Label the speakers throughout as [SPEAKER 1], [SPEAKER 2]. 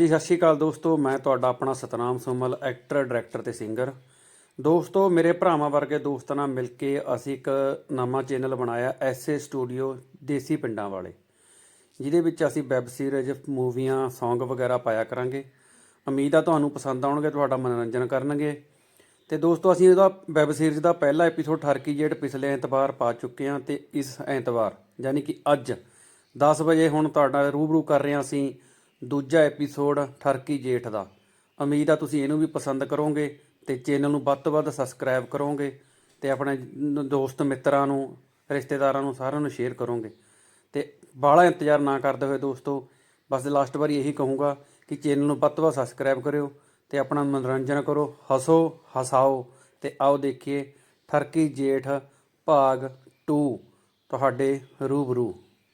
[SPEAKER 1] ਹਾਂਜੀ ਸਤਿ ਸ਼੍ਰੀ ਅਕਾਲ ਦੋਸਤੋ, ਮੈਂ ਤੁਹਾਡਾ ਆਪਣਾ ਸਤਨਾਮ ਸੋਮਲ, ਐਕਟਰ ਡਾਇਰੈਕਟਰ ਤੇ ਸਿੰਗਰ। ਦੋਸਤੋ, ਮੇਰੇ ਭਰਾਵਾਂ ਵਰਗੇ ਦੋਸਤਾਂ ਨਾਲ ਮਿਲ ਕੇ ਅਸੀਂ ਇੱਕ ਨਵਾਂ ਚੈਨਲ ਬਣਾਇਆ ਐਸਏ ਸਟੂਡੀਓ ਦੇਸੀ ਪਿੰਡਾਂ ਵਾਲੇ, ਜਿਹਦੇ ਵਿੱਚ ਅਸੀਂ ਵੈੱਬ ਸੀਰੀਜ਼, ਮੂਵੀਆਂ, ਸੌਂਗ ਵਗੈਰਾ ਪਾਇਆ ਕਰਾਂਗੇ। ਉਮੀਦ ਆ ਤੁਹਾਨੂੰ ਪਸੰਦ ਆਉਣਗੇ, ਤੁਹਾਡਾ ਮਨੋਰੰਜਨ ਕਰਨਗੇ। ਤੇ ਦੋਸਤੋ, ਅਸੀਂ ਉਹਦਾ ਵੈੱਬ ਸੀਰੀਜ਼ ਦਾ ਪਹਿਲਾ ਐਪੀਸੋਡ ਠਰਕੀ ਜੇਠ ਪਿਛਲੇ ਐਤਵਾਰ ਪਾ ਚੁੱਕੇ ਹਾਂ, ਤੇ ਇਸ ਐਤਵਾਰ ਯਾਨੀ ਕਿ ਅੱਜ 10 ਵਜੇ ਹੁਣ ਤੁਹਾਡਾ ਰੂਬਰੂ ਕਰ ਰਹੇ ਹਾਂ ਅਸੀਂ ਦੂਜਾ ਐਪੀਸੋਡ ਠਰਕੀ ਜੇਠ ਦਾ। ਉਮੀਦ ਆ ਤੁਸੀਂ ਇਹਨੂੰ ਵੀ ਪਸੰਦ ਕਰੋਗੇ ਤੇ ਚੈਨਲ ਨੂੰ ਵੱਧ ਤੋਂ ਵੱਧ ਸਬਸਕ੍ਰਾਈਬ ਕਰੋਗੇ ਤੇ ਆਪਣੇ ਦੋਸਤ ਮਿੱਤਰਾਂ ਨੂੰ, ਰਿਸ਼ਤੇਦਾਰਾਂ ਨੂੰ, ਸਾਰਿਆਂ ਨੂੰ ਸ਼ੇਅਰ ਕਰੋਗੇ। ਤੇ ਬਾਹਲਾ ਇੰਤਜ਼ਾਰ ਨਾ ਕਰਦੇ ਹੋਏ ਦੋਸਤੋ, ਬਸ ਲਾਸਟ ਵਾਰੀ ਇਹੀ ਕਹੂੰਗਾ ਕਿ ਚੈਨਲ ਨੂੰ ਵੱਧ ਤੋਂ ਵੱਧ ਸਬਸਕ੍ਰਾਈਬ ਕਰਿਓ ਤੇ ਆਪਣਾ ਮਨੋਰੰਜਨ ਕਰੋ, ਹੱਸੋ ਹਸਾਓ। ਤੇ ਆਓ ਦੇਖੀਏ ਠਰਕੀ ਜੇਠ ਭਾਗ 2 ਤੁਹਾਡੇ ਰੂਬਰੂ।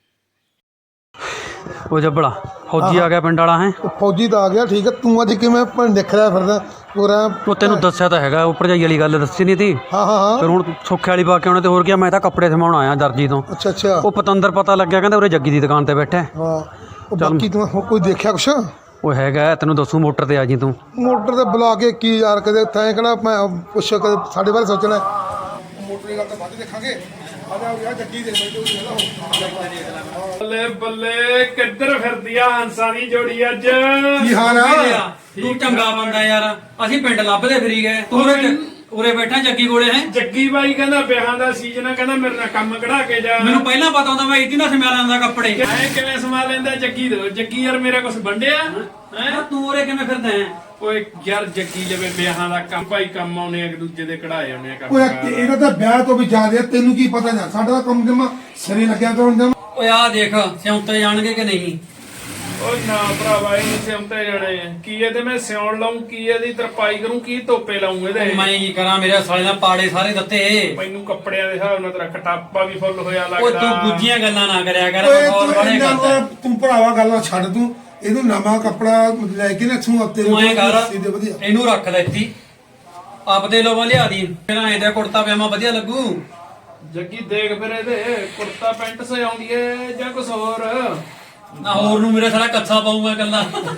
[SPEAKER 1] ਉਹ ਜੱਬੜਾ ਫੌਜੀ ਆ ਗਿਆ ਪਿੰਡ ਵਾਲਾ ਹੈ।
[SPEAKER 2] ਫੌਜੀ ਤਾਂ ਆ ਗਿਆ, ਠੀਕ ਹੈ। ਤੂੰ ਅੱਜ ਕਿਵੇਂ ਦੇਖ ਰਿਹਾ ਫਿਰਦਾ ਪੂਰਾ?
[SPEAKER 1] ਉਹ ਤੈਨੂੰ ਦੱਸਿਆ ਤਾਂ ਹੈਗਾ, ਉਹ ਭਰਜਾਈ ਵਾਲੀ ਗੱਲ ਦੱਸੀ ਨਹੀਂ ਤੀ।
[SPEAKER 2] ਹਾਂ
[SPEAKER 1] ਫਿਰ ਹੁਣ ਸੁੱਖੇ ਵਾਲੀ ਪਾ ਕੇ ਆਉਣਾ ਤੇ ਹੋਰ ਕੀ। ਮੈਂ ਤਾਂ ਕੱਪੜੇ ਸਮਾਉਣ ਆਇਆ ਦਰਜੀ ਤੋਂ।
[SPEAKER 2] ਅੱਛਾ
[SPEAKER 1] ਉਹ ਪਤੰਦਰ ਪਤਾ ਲੱਗਿਆ, ਕਹਿੰਦਾ ਉਰੇ ਜੱਗੀ ਦੀ ਦੁਕਾਨ ਤੇ ਬੈਠਾ।
[SPEAKER 2] ਹਾਂ, ਉਹ ਬਾਕੀ ਤੂੰ ਕੋਈ ਦੇਖਿਆ ਕੁਛ?
[SPEAKER 1] ਉਹ ਹੈਗਾ, ਤੈਨੂੰ ਦੱਸੂ ਮੋਟਰ ਤੇ ਆ ਜੀ ਤੂੰ।
[SPEAKER 2] ਮੋਟਰ ਤੇ ਬੁਲਾ ਕੇ ਕੀ ਯਾਰ, ਕਦੇ ਤੈਂ ਕਿਹੜਾ ਮੈਂ ਪੁੱਛ ਕਦੇ ਸਾਡੇ ਬਾਰੇ ਸੋਚਣਾ। ਮੋਟਰ ਦੀ ਗੱਲ ਤਾਂ ਬਾਅਦ ਦੇਖਾਂਗੇ। ਜੱਗੀ ਦੇ
[SPEAKER 3] ਬੱਲੇ ਬੱਲੇ, ਕਿੱਧਰ ਫਿਰਦੀ ਆ ਹੰਸਾਂ ਦੀ ਜੋੜੀ ਅੱਜ?
[SPEAKER 2] ਕੀ ਹਾਲ ਆ?
[SPEAKER 1] ਤੂੰ ਚੰਗਾ ਬੰਦਾ ਯਾਰ, ਅਸੀਂ ਪਿੰਡ ਲੱਭਦੇ ਫਿਰੀ ਗਏ, ਤੂੰ ਉਰੇ ਬੈਠਾ ਜੱਗੀ ਕੋਲੇ ਹੈ।
[SPEAKER 3] ਜੱਗੀ ਬਾਈ ਕਹਿੰਦਾ ਵਿਆਹਾਂ ਦਾ ਸੀਜ਼ਨ ਆ, ਕਹਿੰਦਾ ਮੇਰੇ ਨਾਲ ਕੰਮ ਕਢਾ ਕੇ ਜਾ।
[SPEAKER 1] ਮੈਨੂੰ ਪਹਿਲਾਂ ਪਤਾ ਹੁੰਦਾ, ਮੈਂ ਇਤੀ ਨਾ ਸਮਾ ਲੈਂਦਾ ਕੱਪੜੇ।
[SPEAKER 3] ਐ ਕਿਵੇਂ ਸਮਾ ਲੈਂਦਾ ਜੱਗੀ ਦੇ? ਜੱਗੀ ਯਾਰ ਮੇਰਾ ਕੁਛ ਵੰਡਿਆ ਹੈ?
[SPEAKER 1] ਤੂੰ ਉਰੇ ਕਿਵੇਂ ਫਿਰਦਾ ਹੈ?
[SPEAKER 3] ਓਏ ਯਾਰ ਜੱਗੀ ਲਵੇ ਵਿਆਹਾਂ ਦਾ ਕੰਮ, ਭਾਈ ਕੰਮ ਆਉਣੇ ਇੱਕ ਦੂਜੇ ਦੇ ਕਢਾਏ ਆਉਣੇ ਆ ਕੰਮ।
[SPEAKER 2] ਓਏ ਇਹਦਾ ਤਾਂ ਵਿਆਹ ਤੋਂ ਵੀ ਜ਼ਿਆਦਾ ਤੈਨੂੰ ਕੀ ਪਤਾ ਨਾ, ਸਾਡਾ ਤਾਂ ਕੰਮ ਜਮਾ ਸਿਰੇ ਲੱਗਿਆ ਤੋਂ ਜਮਾ।
[SPEAKER 1] ਓਏ ਆ ਦੇਖ, ਸਿਉਂਤੇ ਜਾਣਗੇ ਕਿ ਨਹੀਂ?
[SPEAKER 3] ਓਏ ਨਾ ਭਰਾਵਾ, ਇਹਨੂੰ ਸਿਉਂਤੇ ਜਾਣੇ ਕੀ ਇਹਦੇ ਮੈਂ ਸਿਉਣ ਲਾਉਂ, ਕੀ ਇਹਦੀ ਤਰਪਾਈ ਕਰੂੰ, ਕੀ ਧੋਪੇ ਲਾਉਂ ਇਹਦੇ?
[SPEAKER 1] ਮੈਂ ਕੀ ਕਰਾਂ, ਮੇਰੇ ਸਾਲੇ ਨਾਲ ਪਾੜੇ ਸਾਰੇ ਦਿੱਤੇ।
[SPEAKER 3] ਮੈਨੂੰ ਕੱਪੜਿਆਂ ਦੇ ਹਿਸਾਬ ਨਾਲ ਤੇਰਾ ਖਟਾਪਾ ਵੀ ਫੁੱਲ ਹੋਇਆ
[SPEAKER 1] ਓਏ
[SPEAKER 3] ਲੱਗਦਾ।
[SPEAKER 1] ਤੂੰ ਗੁੱਜੀਆਂ ਗੱਲਾਂ ਨਾ ਕਰਿਆ ਕਰ,
[SPEAKER 2] ਓਏ
[SPEAKER 1] ਮਖੌਲ ਬੜੇ ਕਰਦਾ।
[SPEAKER 2] ਤੂੰ ਭਰਾਵਾ ਗੱਲਾਂ ਛੱਡ, ਤੂੰ ਇਹਨੂੰ ਨਵਾਂ ਕੱਪੜਾ ਲੈ ਕੇ ਨਾ ਤੂੰ ਹਫਤੇ
[SPEAKER 1] ਤੂੰ ਐਂ ਕਰ,
[SPEAKER 2] ਸੀਦੇ ਵਧੀਆ
[SPEAKER 1] ਇਹਨੂੰ ਰੱਖ ਲੈ ਇੱਥੇ, ਆਪਦੇ ਲੋਵਾਂ ਲਿਆ ਦੀ। ਫਿਰ ਐਂ ਦਾ ਕੁੜਤਾ ਪਜਾਮਾ ਵਧੀਆ ਲੱਗੂ।
[SPEAKER 3] ਜੱਗੀ ਦੇਖ ਫਿਰ ਇਹਦੇ ਕੁੜਤਾ ਪੈਂਟ ਸਜਾਉਂਦੀ ਏ ਜਾਂ ਕੁਛ ਹੋਰ?
[SPEAKER 1] ਨਾ ਹੋਰ ਨੂੰ ਮੇਰੇ ਸਾਲਾ ਕੱਛਾ ਪਾਊਗਾ ਕੱਲਾ।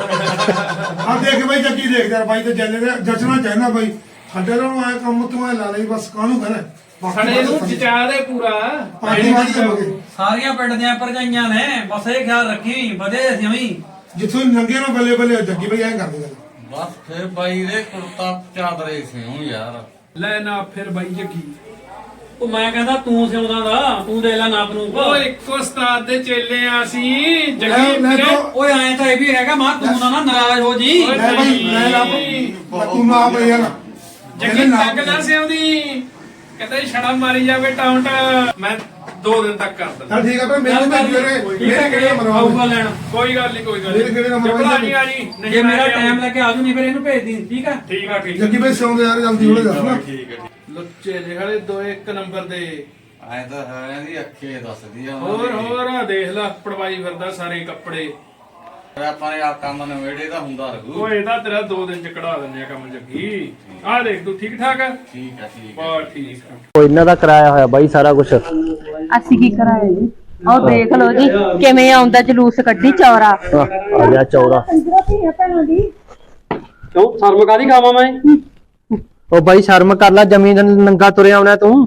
[SPEAKER 2] ਆ ਦੇਖ ਬਾਈ, ਜੱਗੀ ਦੇਖ ਯਾਰ ਬਾਈ, ਤੇ ਜੈਲੇ ਦੇ ਜਚਣਾ ਚਾਹੀਦਾ ਬਾਈ। ਸਾਡੇ ਨੂੰ ਆਇਆ ਕੰਮ ਤੂੰ ਐ ਲਾ ਲਈ ਬਸ, ਕਾਹਨੂੰ ਕਰੇ
[SPEAKER 3] ਸਾਡੇ ਨੂੰ ਜਚਾ ਦੇ ਪੂਰਾ।
[SPEAKER 2] ਪਾਣੀ ਵਾਲੀ ਕਰੋਗੇ।
[SPEAKER 1] ਸਾਰੀਆਂ ਪਿੰਡ ਦੀਆਂ ਭਰਜਾਈਆਂ ਨੇ, ਬਸ ਇਹ ਖਿਆਲ ਰੱਖੀ ਵਧੇ ਅਸੀਂ
[SPEAKER 2] ਜਿੱਥੋਂ ਨੰਗੇ ਨੂੰ ਬੱਲੇ ਬੱਲੇ ਜੱਗੀ ਬਾਈ ਐਂ ਕਰਦੇ ਗੱਲ।
[SPEAKER 4] ਬਸ ਫਿਰ ਬਾਈ ਦੇ ਕੁੜਤਾ ਚਾਦਰੇ ਸਿਉਂ ਯਾਰ।
[SPEAKER 3] ਲੈ ਨਾ ਫਿਰ ਬਾਈ ਜੱਗੀ।
[SPEAKER 1] ਉਹ ਮੈਂ ਕਹਿੰਦਾ ਤੂੰ ਸਿਉਂਦਾ ਦਾ, ਤੂੰ ਦੇ ਲੈ ਨਾਪ ਨੂੰ।
[SPEAKER 3] ਓਏ ਇੱਕੋ ਉਸਤਾਦ ਦੇ ਚੇਲੇ ਆ ਅਸੀਂ।
[SPEAKER 2] ਲੈ
[SPEAKER 3] ਜੱਗੀ ਵੀਰੇ,
[SPEAKER 1] ਓਏ ਐਂ ਤਾਂ ਇਹ ਵੀ ਹੈਗਾ, ਮਾਂ ਤੂੰ ਨਾ ਨਾਰਾਜ਼ ਹੋ ਜੀ।
[SPEAKER 3] ਓਏ
[SPEAKER 2] ਲੈ ਬਾਈ ਲੈ ਲਾ, ਤੂੰ ਨਾ ਬਈ ਯਾਰ
[SPEAKER 3] ਜੱਗੀ ਤੱਕ ਨਾ ਸਿਉਂਦੀ, ਕਹਿੰਦਾ ਛੜਾ ਮਾਰੀ ਜਾਵੇ ਟਾਉਂਟ। ਮੈਂ 2 ਦਿਨ ਤੱਕ ਕਰ ਦਿੰਦਾ।
[SPEAKER 2] ਚੱਲ ਠੀਕ ਆ, ਪਰ ਮੈਨੂੰ ਭੇਜ ਮੇਰੇ ਕਿਹੜੇ
[SPEAKER 1] ਆਊਗਾ
[SPEAKER 2] ਮਰਵਾ
[SPEAKER 1] ਲੈਣ।
[SPEAKER 3] ਕੋਈ ਗੱਲ ਨਹੀਂ, ਕੋਈ ਗੱਲ
[SPEAKER 2] ਮੇਰੇ ਕਿਹੜੇ ਨੰਬਰ
[SPEAKER 3] ਜੱਪਲਾ ਜੀ ਆ ਜੀ।
[SPEAKER 1] ਜੇ ਮੇਰਾ ਟਾਈਮ ਲੱਗੇ ਆਜੂ, ਨਹੀਂ ਫਿਰ ਇਹਨੂੰ ਭੇਜ ਦੀ। ਠੀਕ ਆ
[SPEAKER 3] ਠੀਕ ਆ, ਠੀਕ
[SPEAKER 2] ਜੱਗੀ ਬਾਈ ਸੌਂਦੇ ਯਾਰ, ਜਲਦੀ ਹੋਲੇ ਦੱਸ ਨਾ।
[SPEAKER 4] ਠੀਕ ਹੈ
[SPEAKER 3] ਲੁੱਚੇ ਜਿਹੜੇ 2-1 ਨੰਬਰ ਦੇ।
[SPEAKER 4] ਐ ਤਾਂ ਹੈ ਦੀ ਅੱਖੇ ਦੱਸਦੀ ਆ।
[SPEAKER 3] ਹੋਰ ਆ ਦੇਖ ਲੈ, ਪੜਵਾਈ ਫਿਰਦਾ ਸਾਰੇ ਕੱਪੜੇ।
[SPEAKER 4] ਆਪਾਂ ਨੇ ਆ ਕੰਮ ਨਵੇੜੇ ਦਾ ਹੁੰਦਾ ਰਹੂ।
[SPEAKER 3] ਓਏ ਇਹਦਾ ਤੇਰਾ 2 ਦਿਨ ਚ ਕਢਾ ਦਿੰਦੇ ਆ ਕੰਮ ਜੱਗੀ। ਆ ਦੇਖ ਤੂੰ ਠੀਕ ਠਾਕ ਆ?
[SPEAKER 4] ਠੀਕ ਹੈ ਠੀਕ ਹੈ।
[SPEAKER 3] ਬਾ ਠੀਕ ਆ।
[SPEAKER 5] ਉਹ ਇਹਨਾਂ ਦਾ ਕਰਾਇਆ ਹੋਇਆ ਬਾਈ ਸਾਰਾ ਕੁਝ।
[SPEAKER 6] ਅਸੀਂ ਕੀ ਕਰਾਇਆ ਜੀ? ਆਹ ਦੇਖ ਲਓ ਜੀ ਕਿਵੇਂ ਆਉਂਦਾ ਜਲੂਸ ਕੱਢੀ ਚੌਰਾ।
[SPEAKER 5] ਆ ਗਿਆ ਚੌਰਾ।
[SPEAKER 1] ਕਿਉਂ ਸ਼ਰਮ ਕਾਦੀ ਖਾਵਾਂ ਮੈਂ?
[SPEAKER 5] ਉਹ ਬਾਈ ਸ਼ਰਮ ਕਰ ਲੈ, ਜ਼ਮੀਨ ਨੰਗਾ ਤੁਰਿਆ ਆਉਣਾ ਤੂੰ।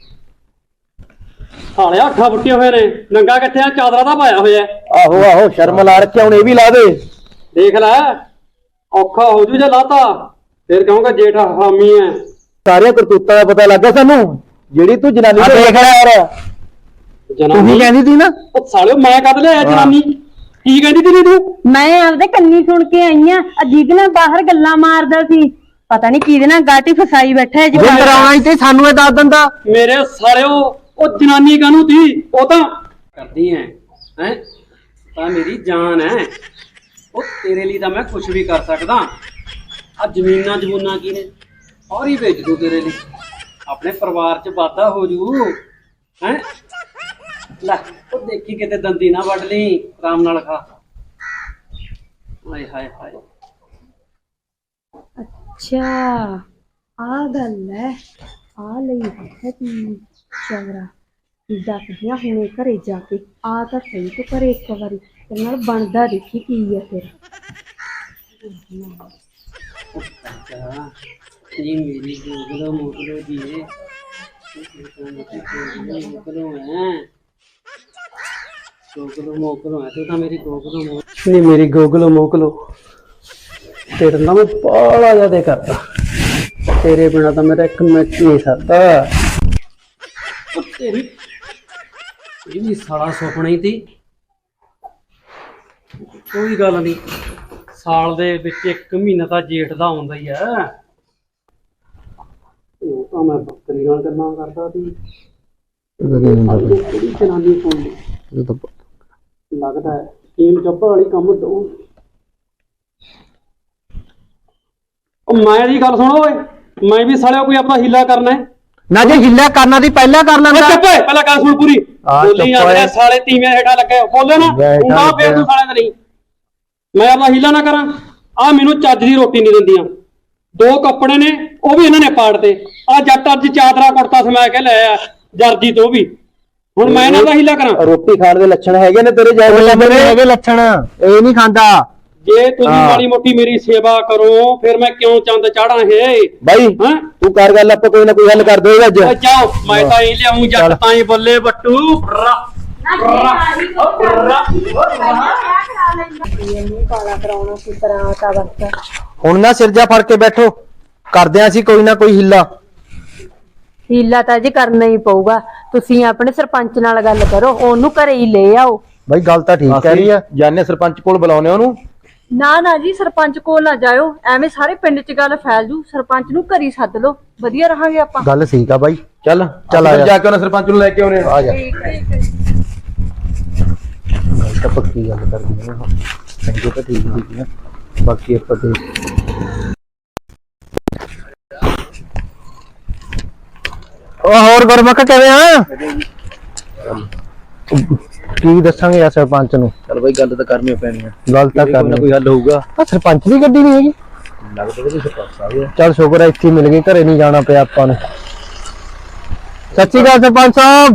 [SPEAKER 1] ਸਾਲਿਆ ਅੱਖਾਂ ਫੁੱਟੀਆਂ ਹੋਏ ਨੇ, ਨੰਗਾ ਕਿੱਥੇ ਆ? ਚਾਦਰਾ ਤਾਂ ਪਾਇਆ ਹੋਇਆ।
[SPEAKER 5] ਆਹੋ ਆਹੋ, ਸ਼ਰਮ ਲਾ ਰੱਖਿਆ, ਹੁਣ ਇਹ ਵੀ ਲਾ ਦੇ।
[SPEAKER 1] ਦੇਖ ਲੈ, ਔਖਾ ਹੋ ਜੂ ਜੇ ਲਾਤਾ, ਫਿਰ ਕਹੂੰਗਾ ਜੇਠ ਹਾਮੀ ਐ।
[SPEAKER 5] ਸਾਰੀਆਂ ਕਰਤੂਤਾਂ ਦਾ ਪਤਾ ਲੱਗਾ ਸਾਨੂੰ, ਜਿਹੜੀ ਤੂੰ ਜਨਾਨੀ ਤੇ ਦੇਖ ਰਿਹਾ ਯਾਰ। ਤੂੰ ਹੀ ਕਹਿੰਦੀ ਸੀ ਨਾ।
[SPEAKER 1] ਉਹ ਸਾਲਿਓ ਮੈਂ ਕਦ ਲਿਆਇਆ ਜਨਾਨੀ? ਕੀ ਕਹਿੰਦੀ ਤੀ ਤੂੰ?
[SPEAKER 6] ਮੈਂ ਆਪਦੇ ਕੰਨੀ ਸੁਣ ਕੇ ਆਈ ਆ। ਅਜੀਬ ਨਾਲ ਬਾਹਰ ਗੱਲਾਂ ਮਾਰਦਾ ਸੀ, ਪਤਾ ਨਹੀਂ ਕਿਹਦੇ ਨਾਲ ਗਾਟੀ ਫਸਾਈ ਬੈਠਾ ਹੈ ਜੀ।
[SPEAKER 5] ਜੇ ਕਰਾਉਣਾ ਸੀ ਤੇ ਸਾਨੂੰ ਇਹ ਦੱਸ ਦਿੰਦਾ।
[SPEAKER 1] ਮੇਰੇ ਸਾਲਿਓ, ਉਹ ਜਨਾਨੀ ਕਾਹਨੂੰ ਤੀ? ਉਹ ਤਾਂ ਕਰਦੀ ਐ ਹੈ, ਤਾਂ ਮੇਰੀ ਜਾਨ ਐ। ਉਹ ਤੇਰੇ ਲਈ ਤਾਂ ਮੈਂ ਕੁਝ ਵੀ ਕਰ ਸਕਦਾ। ਆ ਜ਼ਮੀਨਾਂ ਜਮੂਨਾਂ ਕੀ ਨੇ, ਔਰ ਹੀ ਵੇਚ ਦੂ ਤੇਰੇ ਲਈ, ਆਪਣੇ ਪਰਿਵਾਰ ਚ ਵਾਧਾ ਹੋ ਜੂ ਹੈ। ਲੈ ਉਹ ਦੇਖੀ ਕਿਤੇ ਦੰਦੀ ਨਾ ਵੱਢ ਲਈ, ਆਰਾਮ ਨਾਲ ਖਾ। ਹਾਏ ਹਾਏ ਹਾਏ।
[SPEAKER 6] ਅੱਛਾ ਆ ਗੱਲ ਹੈ, ਆ ਲਈ ਹੈ ਤੀ ਚੌਰਾ। ਦੱਸਦੀਆਂ ਹੁਣੇ ਘਰੇ ਜਾ ਕੇ, ਆ ਤਾਂ ਸਹੀ ਤੂੰ ਘਰੇ ਇੱਕ ਵਾਰੀ ਤੇਰੇ ਨਾਲ ਬਣਦਾ ਦੇਖੀ ਕੀ ਹੈ ਫਿਰ।
[SPEAKER 7] जी मेरी गोगलो मोगलो जी गोगलो है गोगलो मोगलो है तू तो मेरी गोगलो नहीं मेरी गोगलो मोगलो तेरे ना मैं बड़ा ज्यादा करता तेरे बिना तो मेरा एक मिनट नहीं सकता तेरी ये भी साला सुपना ही थी कोई गल नहीं साल दे विच एक महीना तो जेठ दा आउंदा ही है ਉਹ ਤਾਂ ਮੈਂ ਬੱਕਰੀ ਨਾਲ ਗੱਲਾਂ ਕਰਦਾ ਸੀ ਕਿਹੜੀ ਜਨਾਨੀ ਕੋਲ ਲੱਗਦਾ ਹੈ ਟੀਮ ਚੱਪਲ ਵਾਲੀ ਕੰਮ ਦੋ ਉਹ ਮੈਂ ਦੀ ਗੱਲ ਸੁਣੋ ਓਏ ਮੈਂ ਵੀ ਸਾਲਿਆ ਕੋਈ ਆਪਣਾ ਹੀਲਾ ਕਰਨਾ ਹੈ
[SPEAKER 5] ਨਾ ਜੇ ਹਿੱਲਾ ਕਰਨਾ ਦੀ ਪਹਿਲਾਂ ਕਰ ਲੈਂਦਾ
[SPEAKER 7] ਚੁੱਪ ਓਏ ਪਹਿਲਾਂ ਗੱਲ ਸੁਣ ਪੂਰੀ ਬੋਲੀ ਜਾਂਦੇ ਸਾਲੇ ਤੀਵੇਂ ਹੇਠਾਂ ਲੱਗੇ ਬੋਲੇ ਨਾ ਉਹਨਾਂ ਫੇਰ ਤੂੰ ਸਾਲਿਆਂ ਤੇ ਨਹੀਂ ਮੈਂ ਆਪਣਾ ਹੀਲਾ ਨਾ ਕਰਾਂ ਆ ਮੈਨੂੰ ਚੱਜ ਦੀ ਰੋਟੀ ਨਹੀਂ ਦਿੰਦੀਆਂ 2 ਕੱਪੜੇ ਨੇ ਉਹ ਵੀ ਇਹਨਾਂ ਨੇ ਪਾੜਦੇ ਆ ਜੱਟ ਅੱਜ ਚਾਦਰਾ ਕੁੜਤਾ ਸਮਾ ਕੇ ਲੈ ਆ ਜਰਜੀ ਤੋਂ ਵੀ ਹੁਣ ਮੈਂ ਇਹਨਾਂ ਦਾ ਹੀਲਾ ਕਰਾਂ
[SPEAKER 5] ਰੋਟੀ ਖਾਣ ਦੇ ਲੱਛਣ ਹੈਗੇ ਨੇ ਤੇਰੇ ਜਾਇਜ਼ ਹੈਗੇ ਲੱਛਣ ਇਹ ਨਹੀਂ ਖਾਂਦਾ
[SPEAKER 7] ਜੇ ਤੁਸੀਂ ਮਾੜੀ ਮੋਟੀ ਮੇਰੀ ਸੇਵਾ ਕਰੋ ਫਿਰ ਮੈਂ ਕਿਉਂ ਚੰਦ ਚਾੜਾਂ ਇਹ
[SPEAKER 5] ਬਾਈ
[SPEAKER 7] ਹਾਂ
[SPEAKER 5] ਤੂੰ ਕਰ ਗੱਲ ਆਪਾਂ ਕੋਈ ਨਾ ਕੋਈ ਹੱਲ ਕਰ ਦੇਗਾ ਅੱਜ
[SPEAKER 7] ਜਾਓ ਮੈਂ ਤਾਂ ਹੀ ਲਿਆਉਂ ਜੱਟ ਤਾਂ ਹੀ ਬੱਲੇ ਬੱਟੂ
[SPEAKER 5] ਹੁਣ ਨਾ ਸਿਰਜਾ ਫੜ ਕੇ ਬੈਠੋ ਕਰਦੇ ਆਂ ਅਸੀਂ ਕੋਈ ਨਾ ਕੋਈ ਹਿੱਲਾ
[SPEAKER 6] ਹੀਲਾ ਤਾਂ ਜੀ ਕਰਨਾ ਹੀ ਪਊਗਾ ਤੁਸੀਂ ਆਪਣੇ ਸਰਪੰਚ ਨਾਲ ਗੱਲ ਕਰੋ ਉਹਨੂੰ ਘਰੇ ਹੀ ਲੈ ਆਓ
[SPEAKER 5] ਬਾਈ ਗੱਲ ਤਾਂ ਠੀਕ ਕਹਿ ਰਹੀ ਆ ਜਾਨੇ ਸਰਪੰਚ ਕੋਲ ਬੁਲਾਉਨੇ ਉਹਨੂੰ
[SPEAKER 6] ਨਾ ਜੀ ਸਰਪੰਚ ਕੋਲ ਨਾ ਜਾਇਓ ਐਵੇਂ ਸਾਰੇ ਪਿੰਡ 'ਚ ਗੱਲ ਫੈਲ ਜੂ ਸਰਪੰਚ ਨੂੰ ਘਰੀ ਸੱਦ ਲਓ ਵਧੀਆ ਰਹਾਂਗੇ ਆਪਾਂ
[SPEAKER 5] ਗੱਲ ਠੀਕ ਆ ਬਾਈ ਚੱਲ ਚੱਲ ਆ ਜਾ ਕੇ ਉਹਨੇ ਸਰਪੰਚ ਨੂੰ ਲੈ ਕੇ ਆਉਨੇ ਆ ਜਾ ਤਾਂ ਪੱਕੀ ਗੱਲ ਕਰਦੀ ਨੇ ਹਾਂ ਚੰਗੇ ਤਾਂ ਠੀਕ ਹੀ ਆ ਬਾਕੀ ਆਪਾਂ ਤੇ ਉਹ ਹੋਰ ਗੁਰਮੁਖ ਕਿਵੇਂ ਆ ਕੀ ਦੱਸਾਂਗੇ ਯਾਰ ਸਰਪੰਚ ਨੂੰ
[SPEAKER 8] ਚਲ ਬਾਈ ਗੱਲ ਤਾਂ ਕਰਨੀ ਪੈਣੀ ਆ
[SPEAKER 5] ਗੱਲ ਤਾਂ ਕਰਨੀ
[SPEAKER 8] ਕੋਈ ਹੱਲ ਹੋਊਗਾ
[SPEAKER 5] ਆ ਸਰਪੰਚ ਦੀ ਗੱਡੀ ਨਹੀਂ ਹੈਗੀ
[SPEAKER 8] ਲੱਗਦਾ ਕਿ ਸਰਪੰਚ ਆ ਗਿਆ
[SPEAKER 5] ਚੱਲ ਸ਼ੁਕਰ ਹੈ ਇੱਥੇ ਮਿਲ ਗਏ ਘਰੇ ਨਹੀਂ ਜਾਣਾ ਪਿਆ ਆਪਾਂ ਨੂੰ ਸੱਚੀ ਗੱਲ ਸਰਪੰਚ ਸਾਹਿਬ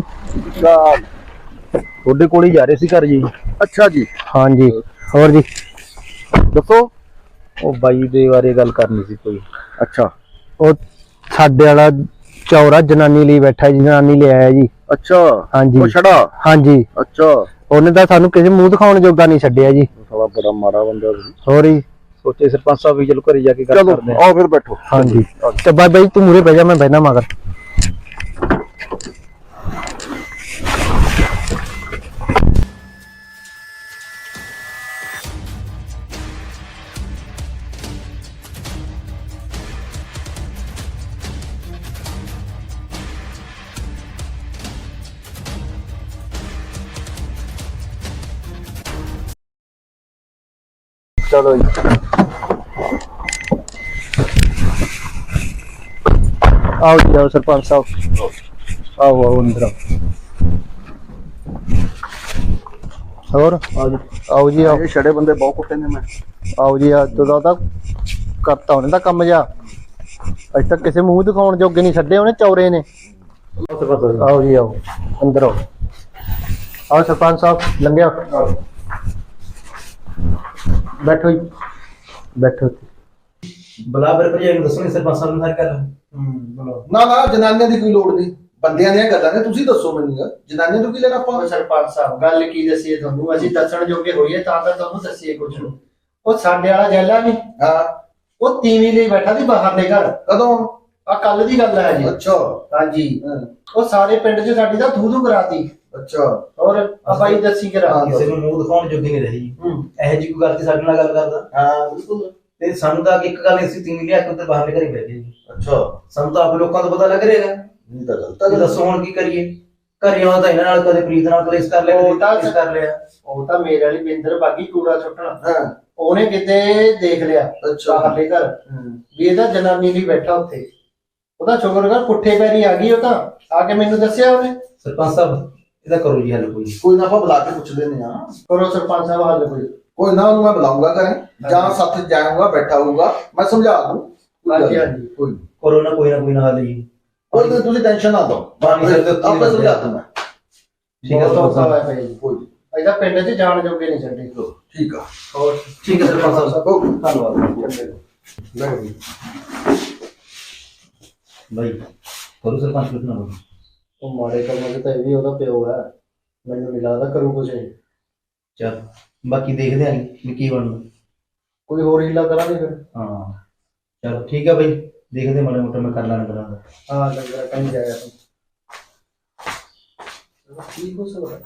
[SPEAKER 8] ਤੁਹਾਡੇ ਕੋਲ ਹੀ ਜਾ ਰਹੇ ਸੀ ਘਰ ਜੀ
[SPEAKER 5] ਅੱਛਾ ਜੀ ਹਾਂਜੀ ਹੋਰ ਜੀ ਦੱਸੋ
[SPEAKER 8] ਉਹ ਬਾਈ ਦੇ ਬਾਰੇ ਗੱਲ ਕਰਨੀ ਸੀ ਕੋਈ
[SPEAKER 5] ਅੱਛਾ ਉਹ ਸਾਡੇ ਵਾਲਾ ਚੌਰਾ ਜਨਾਨੀ ਲਈ ਬੈਠਾ ਜੀ ਜਨਾਨੀ ਲੈ ਆਇਆ ਜੀ
[SPEAKER 8] ਅੱਛਾ
[SPEAKER 5] ਹਾਂਜੀ
[SPEAKER 8] ਉਹ ਛੜਾ
[SPEAKER 5] ਹਾਂਜੀ
[SPEAKER 8] ਅੱਛਾ
[SPEAKER 5] ਉਹਨੇ ਤਾਂ ਸਾਨੂੰ ਕਿਸੇ ਮੂੰਹ ਦਿਖਾਉਣ ਜੋਗਾ ਨਹੀਂ ਛੱਡਿਆ ਜੀ
[SPEAKER 8] ਸਾਲਾ ਬੜਾ ਮਾੜਾ ਬੰਦਾ ਸੀ
[SPEAKER 5] ਹੋਰ ਹੀ
[SPEAKER 8] ਸੋਚੇ ਸਰਪੰਚ ਸਾਹਿਬ ਵੀ ਚਲੋ ਘਰੇ ਜਾ ਕੇ ਗੱਲ ਕਰਦੇ ਆ
[SPEAKER 5] ਆਓ ਫਿਰ ਬੈਠੋ ਹਾਂਜੀ ਤੇ ਬਾਈ ਤੂੰ ਮੂਰੇ ਬਹਿ ਜਾ ਮੈਂ ਬਹਿਣਾ ਮਗਰ
[SPEAKER 8] ਚਲੋ ਜੀ
[SPEAKER 5] ਆਓ ਜੀ ਆਓ ਸਰਪੰਚ ਸਾਹਿਬ ਆਓ ਆਓ ਅੰਦਰ ਹੋਰ ਆਓ ਜੀ ਆਓ
[SPEAKER 8] ਇਹ ਛੜੇ ਬੰਦੇ ਬਹੁਤ ਕੁੱਟੇ ਨੇ ਮੈਂ
[SPEAKER 5] ਆਓ ਜੀ ਅੱਜ ਤੋਂ ਤਾਂ ਕਰਤਾ ਉਹਨੇ ਦਾ ਕੰਮ ਜਾ ਅੱਜ ਤੱਕ ਕਿਸੇ ਮੂੰਹ ਦਿਖਾਉਣ ਜੋਗੇ ਨਹੀਂ ਛੱਡੇ ਉਹਨੇ ਚੌਰੇ ਨੇ ਆਓ ਜੀ ਆਓ ਅੰਦਰ ਆਓ ਆਓ ਸਰਪੰਚ ਸਾਹਿਬ ਲੰਘਿਆ ਬੈਠੋ ਜੀ ਬੈਠੋ
[SPEAKER 8] ਬਲਾਬਰ ਭਜਾਈ ਨੂੰ ਦੱਸੋ ਸਰਪੰਚ ਸਾਹਿਬ ਨੂੰ ਹਰ ਗੱਲ
[SPEAKER 2] ਨਾ ਨਾ ਜਨਾਨੀਆਂ ਦੀ ਕੋਈ ਲੋੜ ਨਹੀਂ ਬੰਦਿਆਂ ਦੀਆਂ ਗੱਲਾਂ ਨੇ ਤੁਸੀਂ ਦੱਸੋ ਮੈਨੂੰ ਜਨਾਨੀਆਂ ਤੋਂ ਕੀ ਲੈਣਾ ਆਪਾਂ
[SPEAKER 5] ਸਰਪੰਚ ਸਾਹਿਬ ਗੱਲ ਕੀ ਦੱਸੀਏ ਤੁਹਾਨੂੰ ਅਸੀਂ ਦੱਸਣ ਜੋਗੇ ਹੋਈਏ ਤਾਂ ਤੁਹਾਨੂੰ ਦੱਸੀਏ ਕੁਝ ਉਹ ਸਾਡੇ ਵਾਲਾ ਜੈਲਾ ਨਹੀਂ
[SPEAKER 2] ਹਾਂ
[SPEAKER 5] ਉਹ ਤੀਵੀਂ ਲਈ ਬੈਠਾ ਸੀ ਬਾਹਰ ਦੇ ਘਰ
[SPEAKER 2] ਕਦੋਂ
[SPEAKER 5] ਆ ਕੱਲ ਦੀ ਗੱਲ ਹੈ ਜੀ
[SPEAKER 2] ਅੱਛਾ
[SPEAKER 5] ਹਾਂਜੀ ਉਹ ਸਾਰੇ ਪਿੰਡ 'ਚ ਸਾਡੀ ਦਾ ਥੂ ਕਰਾਤੀ
[SPEAKER 2] ਅੱਛਾ
[SPEAKER 5] ਔਰ ਆ ਬਾਈ ਦੱਸੀ ਕਰਾ
[SPEAKER 8] ਕਿਸੇ ਨੂੰ ਮੂੰਹ ਦਿਖਾਉਣ ਜੋਗੀ ਨਹੀਂ ਰਹੀ ਇਹੋ ਜੀ ਕੋਈ ਗੱਲ ਤੇ ਸਾਡੇ ਨਾਲ ਗੱਲ ਕਰਦਾ
[SPEAKER 2] ਹਾਂ ਬਿਲਕੁਲ
[SPEAKER 8] ਤੇ ਸਾਨੂੰ ਤਾਂ ਇੱਕ ਗੱਲ ਅਸੀਂ ਤਿੰਨ ਲਿਆ ਕੇ ਉੱਧਰ ਬਾਹਰ ਘਰੇ ਬੈਠੇ ਜੀ
[SPEAKER 2] ਅੱਛਾ
[SPEAKER 8] ਸਾਨੂੰ ਤਾਂ ਆਪ ਲੋਕਾਂ ਤੋਂ ਪਤਾ ਲੱਗ ਰਿਹਾ
[SPEAKER 2] ਨਹੀਂ ਤਾਂ ਗਲਤ
[SPEAKER 8] ਤਾਂ ਦੱਸੋ ਹੁਣ ਕੀ ਕਰੀਏ ਘਰੇ ਆਉਣਾ ਤਾਂ ਇਹਨਾਂ ਨਾਲ ਕਦੇ ਪ੍ਰੀਤ ਨਾਲ ਕਲੇਸ਼ ਕਰ ਲਿਆ ਕਦੇ ਕਲੇਸ਼ ਕਰ ਲਿਆ
[SPEAKER 5] ਉਹ ਤਾਂ ਮੇਰੇ ਵਾਲੀ ਬਿੰਦਰ ਬਾਗੀ ਕੂੜਾ ਸੁੱਟਣਾ
[SPEAKER 2] ਹਾਂ
[SPEAKER 5] ਉਹਨੇ ਕਿਤੇ ਦੇਖ ਲਿਆ
[SPEAKER 2] ਅੱਛਾ
[SPEAKER 5] ਬਾਹਰਲੇ ਘਰ ਵੀ ਇਹਦਾ ਜਨਾਨੀ ਲਈ ਬੈਠਾ ਉੱਥੇ ਉਹਦਾ ਸ਼ੁਕਰ ਕਰ ਪੁੱਠੇ ਪੈਰੀ ਆ ਗਈ ਉਹ ਤਾਂ ਆ ਕੇ ਮੈਨੂੰ ਦੱਸਿਆ ਉਹਨੇ
[SPEAKER 8] ਸਰਪੰਚ ਸਾਹਿਬ ਇਹਦਾ ਕਰੋ ਜੀ ਹੱਲ ਕੋਈ
[SPEAKER 2] ਕੋਈ ਨਾ ਆਪਾਂ ਬੁਲਾ ਕੇ ਪੁੱਛ ਲੈਨੇ ਆ
[SPEAKER 5] ਕਰੋ ਸਰਪੰਚ ਸਾਹਿਬ ਹੱਲ
[SPEAKER 2] ਕੋਈ ਨਾ ਉਹਨੂੰ ਮੈਂ ਬੁਲਾਉਂਗਾ ਘਰੇ ਜਾਂ ਸਾਥ ਜਾਊਂਗਾ ਬੈਠਾ ਹੋਊਗਾ ਮੈਂ ਸਮਝਾ ਦੂੰ
[SPEAKER 5] ਹਾਂਜੀ ਹਾਂਜੀ
[SPEAKER 2] ਕੋਈ
[SPEAKER 8] ਕਰੋ ਨਾ ਕੋਈ ਹੱਲ ਜੀ
[SPEAKER 2] ਕੋਈ ਨਾ ਤੁਸੀਂ ਟੈਨਸ਼ਨ ਨਾ ਲਓ
[SPEAKER 8] ਬਾਣੀ ਸਿਰ ਦੇ ਉੱਤੇ
[SPEAKER 2] ਆਪੇ ਸਮਝਾ ਦੂੰ ਮੈਂ
[SPEAKER 8] ਠੀਕ ਹੈ
[SPEAKER 5] ਬਹੁਤ ਔਖਾ ਹੋਇਆ ਪਿਆ ਜੀ।
[SPEAKER 2] ਕੋਈ
[SPEAKER 5] ਇਹਦਾ ਪਿੰਡ 'ਚ ਜਾਣ ਜੋਗੇ ਨਹੀਂ ਛੱਡੇ।
[SPEAKER 2] ਠੀਕ ਆ
[SPEAKER 5] ਹੋਰ
[SPEAKER 8] ਠੀਕ ਹੈ ਸਰਪੰਚ ਸਾਹਿਬ।
[SPEAKER 5] ਧੰਨਵਾਦ। ਚੰਗੇ
[SPEAKER 2] ਲੈ ਬਈ
[SPEAKER 8] ਬਾਈ ਕਰੂ ਸਰਪੰਚ ਕਿਤਨਾ ਬੋਲ।
[SPEAKER 5] ਉਹ ਮਾੜੇ ਕੰਮਾਂ 'ਚ ਤਾਂ ਇਹ ਵੀ ਉਹਦਾ ਪਿਓ ਹੈ, ਮੈਨੂੰ ਨਹੀਂ ਲੱਗਦਾ ਕਰੂ ਕੁਛ ਇਹ।
[SPEAKER 8] ਚਲ ਬਾਕੀ ਦੇਖਦੇ ਆਂ ਵੀ ਕੀ ਬਣਦਾ।
[SPEAKER 5] ਕੋਈ ਹੋਰ ਹੀਲਾ ਕਰਾਂਗੇ ਫਿਰ।
[SPEAKER 8] ਹਾਂ ਚਲ ਠੀਕ ਹੈ ਬਾਈ, ਦੇਖਦੇ ਮਾੜੇ ਮੋਟੇ ਮੈਂ ਕਰ ਲਾਂਗਾ ਕਰਾਂਗਾ।
[SPEAKER 5] ਹਾਂ ਲੰਗਰ ਕहीं ਜਾਇਆ ਤੂੰ ਠੀਕ ਹੋ ਸਕਦਾ।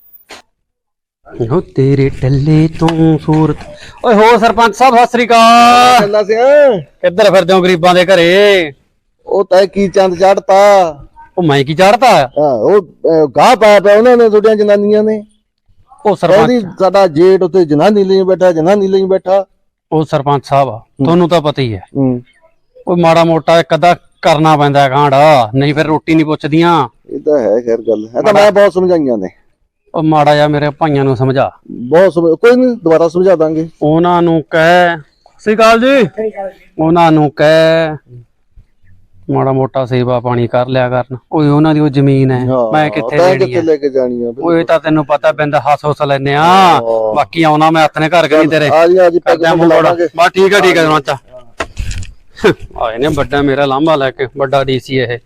[SPEAKER 7] ਹੋ ਤੇਰੇ ਟੱਲੇ ਤੋਂ ਸੂਰਤ। ਓਏ ਹੋ ਸਰਪੰਚ ਸਾਹਿਬ ਸਤਿ ਸ੍ਰੀ ਅਕਾਲ।
[SPEAKER 2] ਚੱਲਾ ਸਿਆ
[SPEAKER 7] ਕਿੱਧਰ ਫਿਰਦੇ ਹੋ ਗਰੀਬਾਂ ਦੇ ਘਰੇ?
[SPEAKER 2] ਉਹ ਤਾਂ ਕੀ ਚੰਦ ਚੜਤਾ।
[SPEAKER 7] ਉਹ ਮੈਂ ਕੀ ਚੜਤਾ?
[SPEAKER 2] ਹਾਂ ਉਹ ਗਾਹ ਪਾਇਆ ਪਿਆ ਉਹਨਾਂ ਨੇ ਤੁਹਾਡੀਆਂ ਜਨਾਨੀਆਂ ਨੇ।
[SPEAKER 7] ਉਹ
[SPEAKER 2] ਕਹਿੰਦੀ
[SPEAKER 7] ਸਰਪੰਚ
[SPEAKER 2] ਸਾਡਾ ਜੇਠ ਉੱਤੇ ਜਨਾਨੀ ਲਈ ਬੈਠਾ, ਜਨਾਨੀ ਲਈ ਬੈਠਾ।
[SPEAKER 7] ਉਹ ਸਰਪੰਚ ਸਾਹਿਬ ਤੁਹਾਨੂੰ ਤਾਂ ਪਤਾ ਹੀ ਹੈ,
[SPEAKER 2] ਹੂੰ
[SPEAKER 7] ਉਹ ਮਾੜਾ ਮੋਟਾ ਇੱਕ ਅੱਧਾ ਕਰਨਾ ਪੈਂਦਾ ਕਾਂਡ, ਨਹੀਂ ਫਿਰ ਰੋਟੀ ਨਹੀਂ ਪੁੱਛਦੀਆਂ।
[SPEAKER 2] ਇਹ ਤਾਂ ਹੈ ਖੈਰ ਗੱਲ। ਇਹ ਤਾਂ ਮੈਂ ਬਹੁਤ ਸਮਝਾਈਆਂ ਨੇ।
[SPEAKER 7] ਉਹ ਮਾੜਾ ਜਿਹਾ ਮੇਰੇ ਭਾਈਆਂ ਨੂੰ ਸਮਝਾ।
[SPEAKER 2] ਕੋਈ ਨਹੀਂ ਦੁਬਾਰਾ ਸਮਝਾ ਦਾਂਗੇ।
[SPEAKER 7] ਉਹਨਾਂ ਨੂੰ ਕਹਿ ਸਤਿ ਸ੍ਰੀ ਅਕਾਲ ਜੀ, ਉਹਨਾਂ ਨੂੰ ਕਹਿ ਮਾੜਾ ਮੋਟਾ ਸੇਵਾ ਪਾਣੀ ਕਰ ਲਿਆ ਕਰਨ। ਓਏ ਉਹਨਾਂ ਦੀ ਉਹ ਜ਼ਮੀਨ ਹੈ, ਮੈਂ ਕਿੱਥੇ ਲੈਣੀ ਹੈ?
[SPEAKER 2] ਲੈ ਕੇ ਜਾਣੀ ਆ?
[SPEAKER 7] ਓਏ ਤਾਂ ਤੈਨੂੰ ਪਤਾ ਬਿੰਦ ਹੱਸ ਲੈਨੇ ਆ। ਬਾਕੀ ਆਉਣਾ ਮੈਂ ਆਪਣੇ ਘਰ ਗਈ ਤੇਰੇ।
[SPEAKER 2] ਆ ਜੀ
[SPEAKER 7] ਕਰਦਾ ਮੂੰਹ ਬੜਾ। ਬਸ ਠੀਕ ਹੈ ਚਾਚਾ। ਆਏ ਨੇ ਵੱਡਾ ਮੇਰਾ ਲਾਂਭਾ ਲੈ ਕੇ, ਵੱਡਾ ਡੀਸੀ ਇਹ।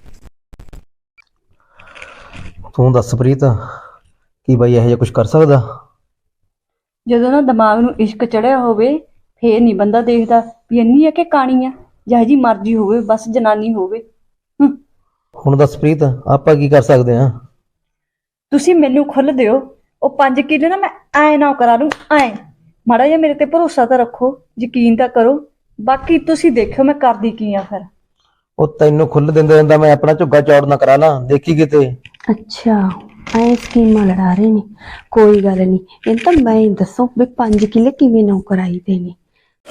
[SPEAKER 8] ਤੂੰ ਦੱਸ ਪ੍ਰੀਤ, ਕੀ ਬਾਈ ਇਹੋ ਜਿਹਾ ਕੁਝ ਕਰ ਸਕਦਾ?
[SPEAKER 6] ਜਦੋਂ ਨਾ ਦਿਮਾਗ ਨੂੰ ਇਸ਼ਕ ਚੜਿਆ ਹੋਵੇ ਫੇਰ ਨਹੀਂ ਬੰਦਾ ਦੇਖਦਾ ਵੀ ਇੰਨੀ ਆ ਕਿ ਕਾਣੀ ਆ, ਜਿਹੋ ਜੀ ਮਰਜ਼ੀ ਹੋਵੇ, ਬਸ ਜਨਾਨੀ ਹੋਵੇ।
[SPEAKER 8] ਹੁਣ ਦੱਸ ਪ੍ਰੀਤ, ਆਪਾਂ ਕੀ ਕਰ ਸਕਦੇ ਆ?
[SPEAKER 6] ਤੁਸੀਂ ਮੈਨੂੰ ਖੁੱਲ ਦਿਓ, ਉਹ 5 ਕਿੱਲੇ ਨਾ ਮੈਂ ਐ ਨਾ ਕਰਾ ਲੂੰ। ਐ ਮਾੜਾ ਜਿਹਾ ਮੇਰੇ ਤੇ ਭਰੋਸਾ ਤਾਂ ਰੱਖੋ, ਯਕੀਨ ਤਾਂ ਕਰੋ, ਬਾਕੀ ਤੁਸੀਂ ਦੇਖਿਓ ਮੈਂ ਕਰਦੀ ਕੀ ਆ ਫਿਰ।
[SPEAKER 8] ਉਹ ਤੈਨੂੰ ਖੁੱਲ ਦਿੰਦੇ ਦਿੰਦਾ ਮੈਂ ਆਪਣਾ ਝੁੱਗਾ ਚੌੜ ਨਾ ਕਰਾ ਲਾਂ, ਦੇਖੀ ਕਿਤੇ।
[SPEAKER 6] ਅੱਛਾ ਐ ਸਕੀਮਾਂ ਲੜਾ ਰਹੇ ਨੇ, ਕੋਈ ਗੱਲ ਨਹੀਂ। ਇਹ ਤਾਂ ਮੈਂ ਹੀ ਦੱਸੋ ਵੀ 5 ਕਿੱਲੇ ਕਿਵੇਂ ਨੌਕਰਾਈ ਦੇ ਨੇ।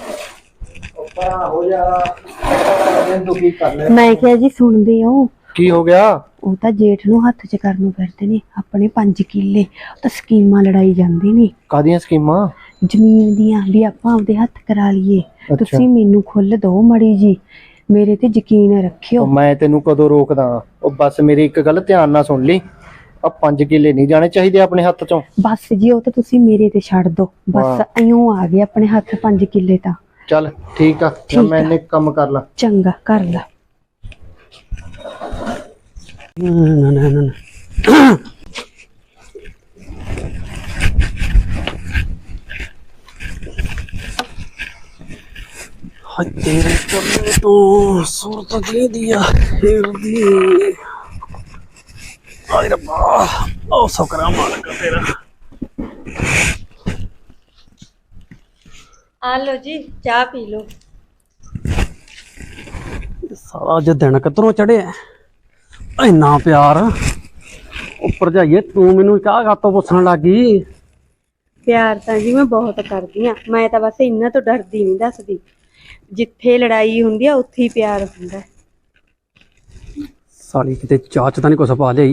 [SPEAKER 5] ਹੋ ਜਾ ਤੂੰ ਕੀ ਕਰ ਲੈ।
[SPEAKER 6] ਮੈਂ ਕਿਹਾ ਜੀ ਸੁਣਦੇ ਹੋ?
[SPEAKER 7] ਕੀ ਹੋ ਗਿਆ?
[SPEAKER 6] ਉਹ ਤਾਂ ਜੇਠ ਨੂੰ ਹੱਥ 'ਚ ਕਰਨ ਨੂੰ ਫਿਰਦੇ ਨੇ ਆਪਣੇ 5 ਕਿੱਲੇ। ਉਹ ਤਾਂ ਸਕੀਮਾਂ ਲੜਾਈ ਜਾਂਦੇ ਨੇ
[SPEAKER 5] ਕਾਹਦੀਆਂ ਸਕੀਮਾਂ?
[SPEAKER 6] ਜ਼ਮੀਨ ਦੀਆਂ, ਵੀ ਆਪਾਂ ਆਪਦੇ ਹੱਥ ਕਰਾ ਲਈਏ। ਤੁਸੀਂ ਮੈਨੂੰ ਖੁੱਲ ਦਿਓ ਮੜੀ ਜੀ, ਮੇਰੇ ਤੇ ਯਕੀਨ ਰੱਖਿਓ।
[SPEAKER 5] ਮੈਂ ਤੈਨੂੰ ਕਦੋਂ ਰੋਕਦਾ? ਉਹ ਬਸ ਮੇਰੀ ਇੱਕ ਗੱਲ ਧਿਆਨ ਨਾਲ ਸੁਣ ਲਈ, ਆ 5 ਕਿੱਲੇ ਨਹੀਂ ਜਾਣੇ ਚਾਹੀਦੇ ਆਪਣੇ ਹੱਥ ਚੋਂ।
[SPEAKER 6] ਬਸ ਜੀ ਉਹ ਤਾਂ ਤੁਸੀਂ ਮੇਰੇ ਤੇ ਛੱਡ ਦਿਓ, ਬਸ ਇਉਂ ਆ ਗਏ ਆਪਣੇ ਹੱਥ 5 ਕਿੱਲੇ ਤਾਂ।
[SPEAKER 5] ਚੱਲ ਠੀਕ ਆ, ਮੈਂ ਇਹਨੇ ਕੰਮ ਕਰ ਲਾ।
[SPEAKER 6] ਚੰਗਾ ਕਰ ਲਾ।
[SPEAKER 7] ਤੇਰੇ ਟੱਲੇ ਤੋਂ ਸੂਰਤ ਦੀ ਆ ਹਿਰਦੀ। ਆਏ ਰੱਬਾ, ਉਹ ਸ਼ੁਕਰਾ ਮਾਲਕ ਤੇਰਾ।
[SPEAKER 6] ਆ ਲੋ ਜੀ ਚਾਹ ਪੀ ਲੋ।
[SPEAKER 7] ਸਾਰਾ ਅੱਜ ਦਿਨ ਕਿੱਧਰੋਂ ਚੜਿਆ? ਇੰਨਾ ਪਿਆਰ। ਉੱਪਰ ਜਾਈਏ ਤੂੰ ਮੈਨੂੰ ਚਾਹ ਕਾਤੋਂ ਪੁੱਛਣ ਲੱਗੀ?
[SPEAKER 6] ਪਿਆਰ ਤਾਂ ਜੀ ਮੈਂ ਬਹੁਤ ਕਰਦੀ ਆ, ਮੈਂ ਤਾਂ ਬਸ ਇਹਨਾਂ ਤੋਂ ਡਰਦੀ ਨਹੀਂ ਦੱਸਦੀ। ਜਿੱਥੇ ਲੜਾਈ ਹੁੰਦੀ ਆ ਉੱਥੇ ਹੀ ਪਿਆਰ ਹੁੰਦਾ।
[SPEAKER 7] ਸਾਲੀ ਕਿਤੇ ਚਾਹ ਚ ਤਾਂ ਨਹੀਂ ਕੁਛ ਪਾ ਲਿਆਈ?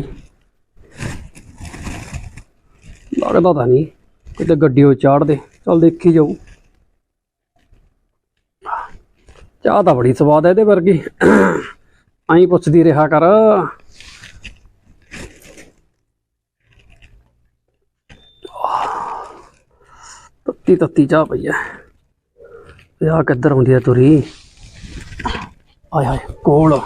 [SPEAKER 7] ਲੱਗਦਾ ਤਾਂ ਨਹੀਂ ਕਿਤੇ ਗੱਡੀਓ ਚਾੜ ਦੇ। ਚੱਲ ਦੇਖੀ ਜਾਊ। ਚਾਹ ਤਾਂ ਬੜੀ ਸਵਾਦ ਹੈ ਇਹਦੇ ਵਰਗੀ, ਆਈ ਪੁੱਛਦੀ ਰਿਹਾ ਕਰ। ਤੱਤੀ ਤੱਤੀ ਚਾਹ ਪਈ ਹੈ। ਆ ਕਿੱਧਰ ਹੁੰਦੀ ਹੈ ਤੁਰੀ? ਆਏ ਹਾਏ ਕੋਲ।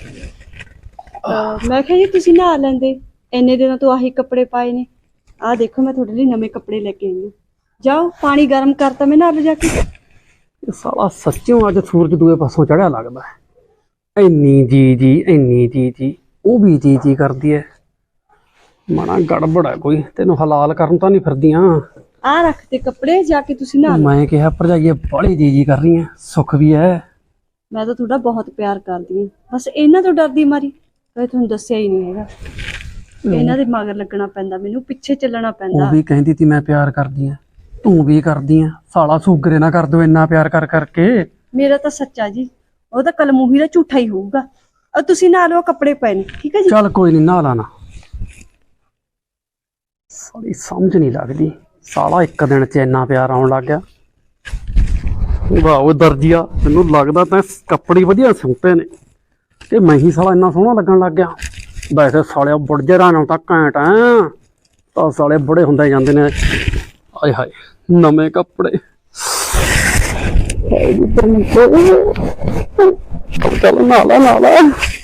[SPEAKER 6] ਮੈਂ ਕਿਹਾ ਜੀ ਤੁਸੀਂ ਨਹਾ ਲੈਂਦੇ, ਇੰਨੇ ਦਿਨਾਂ ਤੋਂ ਆਹੀ ਕੱਪੜੇ ਪਾਏ ਨੇ। ਆਹ ਦੇਖੋ ਮੈਂ ਤੁਹਾਡੇ ਲਈ ਨਵੇਂ ਕੱਪੜੇ ਲੈ ਕੇ ਆਈ ਹਾਂ। ਜਾਓ ਪਾਣੀ ਗਰਮ ਕਰਤਾ, ਮੈਂ ਨਹਾ ਲਓ ਜਾ ਕੇ।
[SPEAKER 7] ਇਹ ਸਾਲਾ ਸੱਚਿਓ ਅੱਜ ਸੂਰਜ ਦੂਏ ਪਾਸੋਂ ਚੜਿਆ ਲੱਗਦਾ ਹੈ। ਇੰਨੀ ਇੰਨੀ ਜੀ ਉਹ ਵੀ ਜੀ ਕਰਦੀ ਹੈ। ਮਾਣਾ ਗੜਬੜ ਹੈ ਕੋਈ, ਤੈਨੂੰ ਹਲਾਲ ਕਰਨ ਤਾਂ ਨਹੀਂ ਫਿਰਦੀਆਂ?
[SPEAKER 6] ਆ ਰੱਖ ਤੇ ਕੱਪੜੇ, ਜਾ ਕੇ ਤੁਸੀਂ ਨਹਾ ਲਓ।
[SPEAKER 7] ਮੈਂ ਕਿਹਾ ਭਰਜਾਈਏ ਬਾਹਲੀ ਜੀ ਕਰ ਰਹੀ ਹੈ, ਸੁੱਖ ਵੀ ਹੈ।
[SPEAKER 6] ਮੈਂ ਤਾਂ ਤੁਹਾਡਾ ਬਹੁਤ ਪਿਆਰ ਕਰਦੀ ਹਾਂ, ਬਸ ਇਹਨਾਂ ਤੋਂ ਡਰਦੀ ਮਾਰੀ ਕਦੇ ਤੁਹਾਨੂੰ ਦੱਸਿਆ ਹੀ ਨਹੀਂ ਹੈਗਾ। ਇਹਨਾਂ ਦੇ ਮਗਰ ਲੱਗਣਾ ਪੈਂਦਾ, ਮੈਨੂੰ ਪਿੱਛੇ ਚੱਲਣਾ ਪੈਂਦਾ।
[SPEAKER 7] ਉਹ ਵੀ ਕਹਿੰਦੀ ਤੀ ਮੈਂ ਪਿਆਰ ਕਰਦੀ ਆ, ਤੂੰ ਵੀ ਕਰਦੀ ਆ। ਸਾਲਾ ਸੂਗਰੇ ਨਾ ਕਰ ਦੋ ਇੰਨਾ ਪਿਆਰ ਕਰ ਕਰਕੇ।
[SPEAKER 6] ਮੇਰਾ ਤਾਂ ਸੱਚਾ ਜੀ, ਉਹ ਤਾਂ ਕਲਮੂਹੀ ਦਾ ਝੂਠਾ ਹੀ ਹੋਊਗਾ। ਤੁਸੀਂ ਨਹਾ ਲਓ, ਕੱਪੜੇ ਪਏ ਨੇ, ਠੀਕ ਹੈ ਜੀ?
[SPEAKER 7] ਚੱਲ ਕੋਈ ਨਹੀਂ, ਨਹਾ ਲਾਣਾ। ਸਾਲੀ ਸਮਝ ਨਹੀਂ ਲੱਗਦੀ, ਸਾਲਾ ਇੱਕ ਦਿਨ ਚ ਇੰਨਾ ਪਿਆਰ ਆਉਣ ਲੱਗ ਗਿਆ। ਵਾਹ ਉਹ ਦਰਜੀਆ, ਮੈਨੂੰ ਲੱਗਦਾ ਤਾਂ ਕੱਪੜੇ ਵਧੀਆ ਸਿਉਂਤੇ ਨੇ ਤੇ ਮੈਂ ਹੀ ਸਾਲਾ ਇੰਨਾ ਸੋਹਣਾ ਲੱਗਣ ਲੱਗ ਗਿਆ। ਵੈਸੇ ਸਾਲਿਆ ਬੁੜਜਰਾਂ ਨੂੰ ਤਾਂ ਘੈਂਟ ਐ। ਤਾਂ ਸਾਲੇ ਬੜੇ ਹੁੰਦੇ ਜਾਂਦੇ ਨੇ। ਆਏ ਹਾਏ ਨਵੇਂ ਕੱਪੜੇ। ਚੱਲ ਨਾਲਾ ਨਾਲਾ।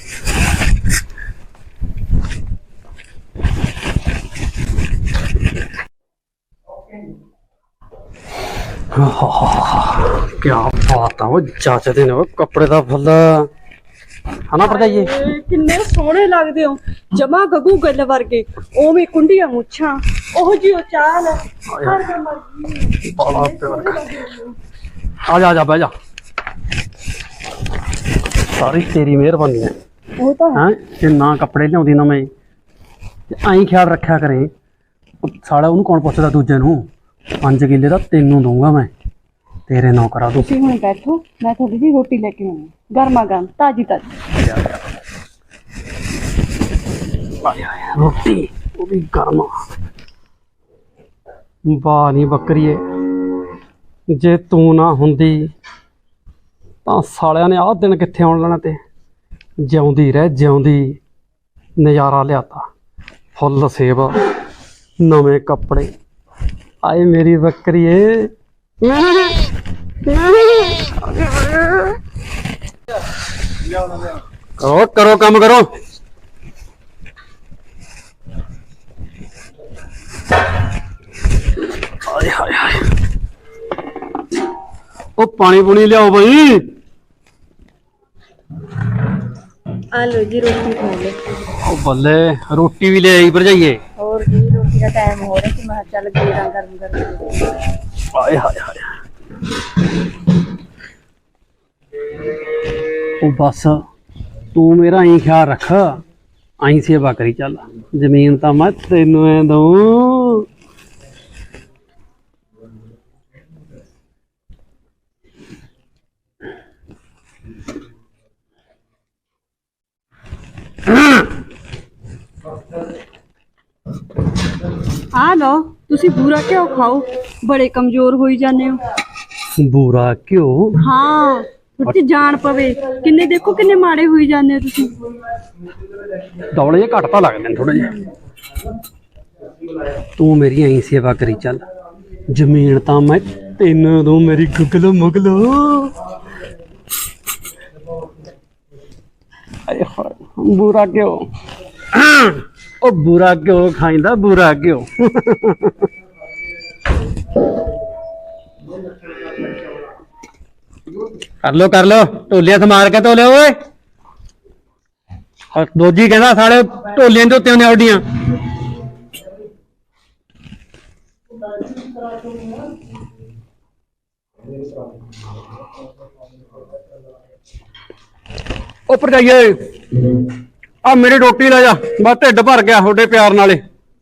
[SPEAKER 7] क्या बात है वो जचदे ने कपड़े दा फुल हना भरजाइए।
[SPEAKER 6] ਕਿੰਨੇ ਸੋਹਣੇ ਲੱਗਦੇ ਹੋ ਜਮਾ ਗੱਗੂ ਗੱਲ ਵਰਗੇ ਉਵੇਂ ਕੁੰਡੀਆਂ ਮੁੱਛਾਂ ਉਹ ਜੀ ਉਹ ਚਾਲ
[SPEAKER 7] बाला प्यार आजा आजा बह जा। सारी तेरी मेहरबानी है।
[SPEAKER 6] ਉਹ ਤਾਂ
[SPEAKER 7] हैं जे ना कपड़े लियाउंदी ना मैं आई ख्याल रखा करें। साला ਉਹਨੂੰ कौन ਪੁੱਛਦਾ ਦੂਜੇ ਨੂੰ। 5 ਕਿੱਲੇ ਦਾ ਤੈਨੂੰ ਦਊਂਗਾ ਮੈਂ ਤੇਰੇ ਨੌ ਕਰਾ ਦੂੰ।
[SPEAKER 6] ਤੁਸੀਂ ਹੁਣ ਬੈਠੋ ਮੈਂ ਤੁਹਾਡੀ ਲਈ ਰੋਟੀ ਲੈ ਕੇ ਆਉਂਦੀ ਗਰਮਾ ਗਰਮ ਤਾਜੀ ਤਾਜੀ।
[SPEAKER 7] रोटी वो भी गर्म। वाह नी बकरीए जे तू ना हुंदी तां सालियां ने आह दिन कित्थे आउण लेना ते जिउंदी रह जिउंदी नज़ारा लियाता। फुੱਲ सेब नवे कपड़े आए मेरी बकरीए। करो करो काम करो। हाय हाय हाय ओ पानी पुनी लियाओ भाई।
[SPEAKER 6] ਆ ਲੋ ਜੀ ਰੋਟੀ ਖਾ ਲਓ।
[SPEAKER 7] ओ बल्ले रोटी भी ले आई भरजाइए।
[SPEAKER 6] ਹੋਰ ਜੀ ਰੋਟੀ ਦਾ ਟਾਈਮ ਹੋ ਰਿਹਾ ਸੀ ਮੈਂ ਕਿਹਾ ਚੱਲ ਗੇੜਾ ਗਰਮ ਗਰਮ।
[SPEAKER 7] हाय हाय हाय ओ बस तू मेरा आई ख्याल रख आई सेवा करी चल जमीन तो मैं तेनू दूं।
[SPEAKER 6] ਆ ਲਓ ਤੁਸੀਂ ਬੂਰਾ ਘਿਓ ਖਾਓ ਬੜੇ ਕਮਜ਼ੋਰ ਹੋਈ ਜਾਂਦੇ ਹੋ।
[SPEAKER 7] ਬੂਰਾ ਘਿਓ।
[SPEAKER 6] ਹਾਂ ਉੱਤੇ ਜਾਨ ਪਵੇ ਕਿੰਨੇ ਦੇਖੋ ਕਿੰਨੇ ਮਾੜੇ ਹੋਈ ਜਾਂਦੇ ਹੋ ਤੁਸੀਂ।
[SPEAKER 7] ਦੌਲੇ ਜੇ ਘੱਟ ਤਾਂ ਲੱਗਦੇ ਨੇ ਥੋੜੇ ਜਿਹੇ। ਤੂੰ ਮੇਰੀ ਐਂ ਸੇਵਾ ਕਰੀ ਚੱਲ ਜ਼ਮੀਨ ਤਾਂ ਮੈਂ ਤੈਨੂੰ ਦੂੰ ਮੇਰੀ ਗੁਗਲੋ ਮੁਗਲੋ। ਆਏ ਹਾਏ ਬੂਰਾ ਘਿਓ ਉਹ ਬੂਰਾ ਘਿਓ ਖਾਈਂਦਾ ਬੂਰਾ ਘਿਓ। कर लो ढोलिया से मार के धो ले ओए। दोजी कहना साढ़े ढोलिया धोते ने औडियां। ऊपर जाइए आ मेरी रोटी ले जा बस ढिड भर गया थोड़े प्यार नाले।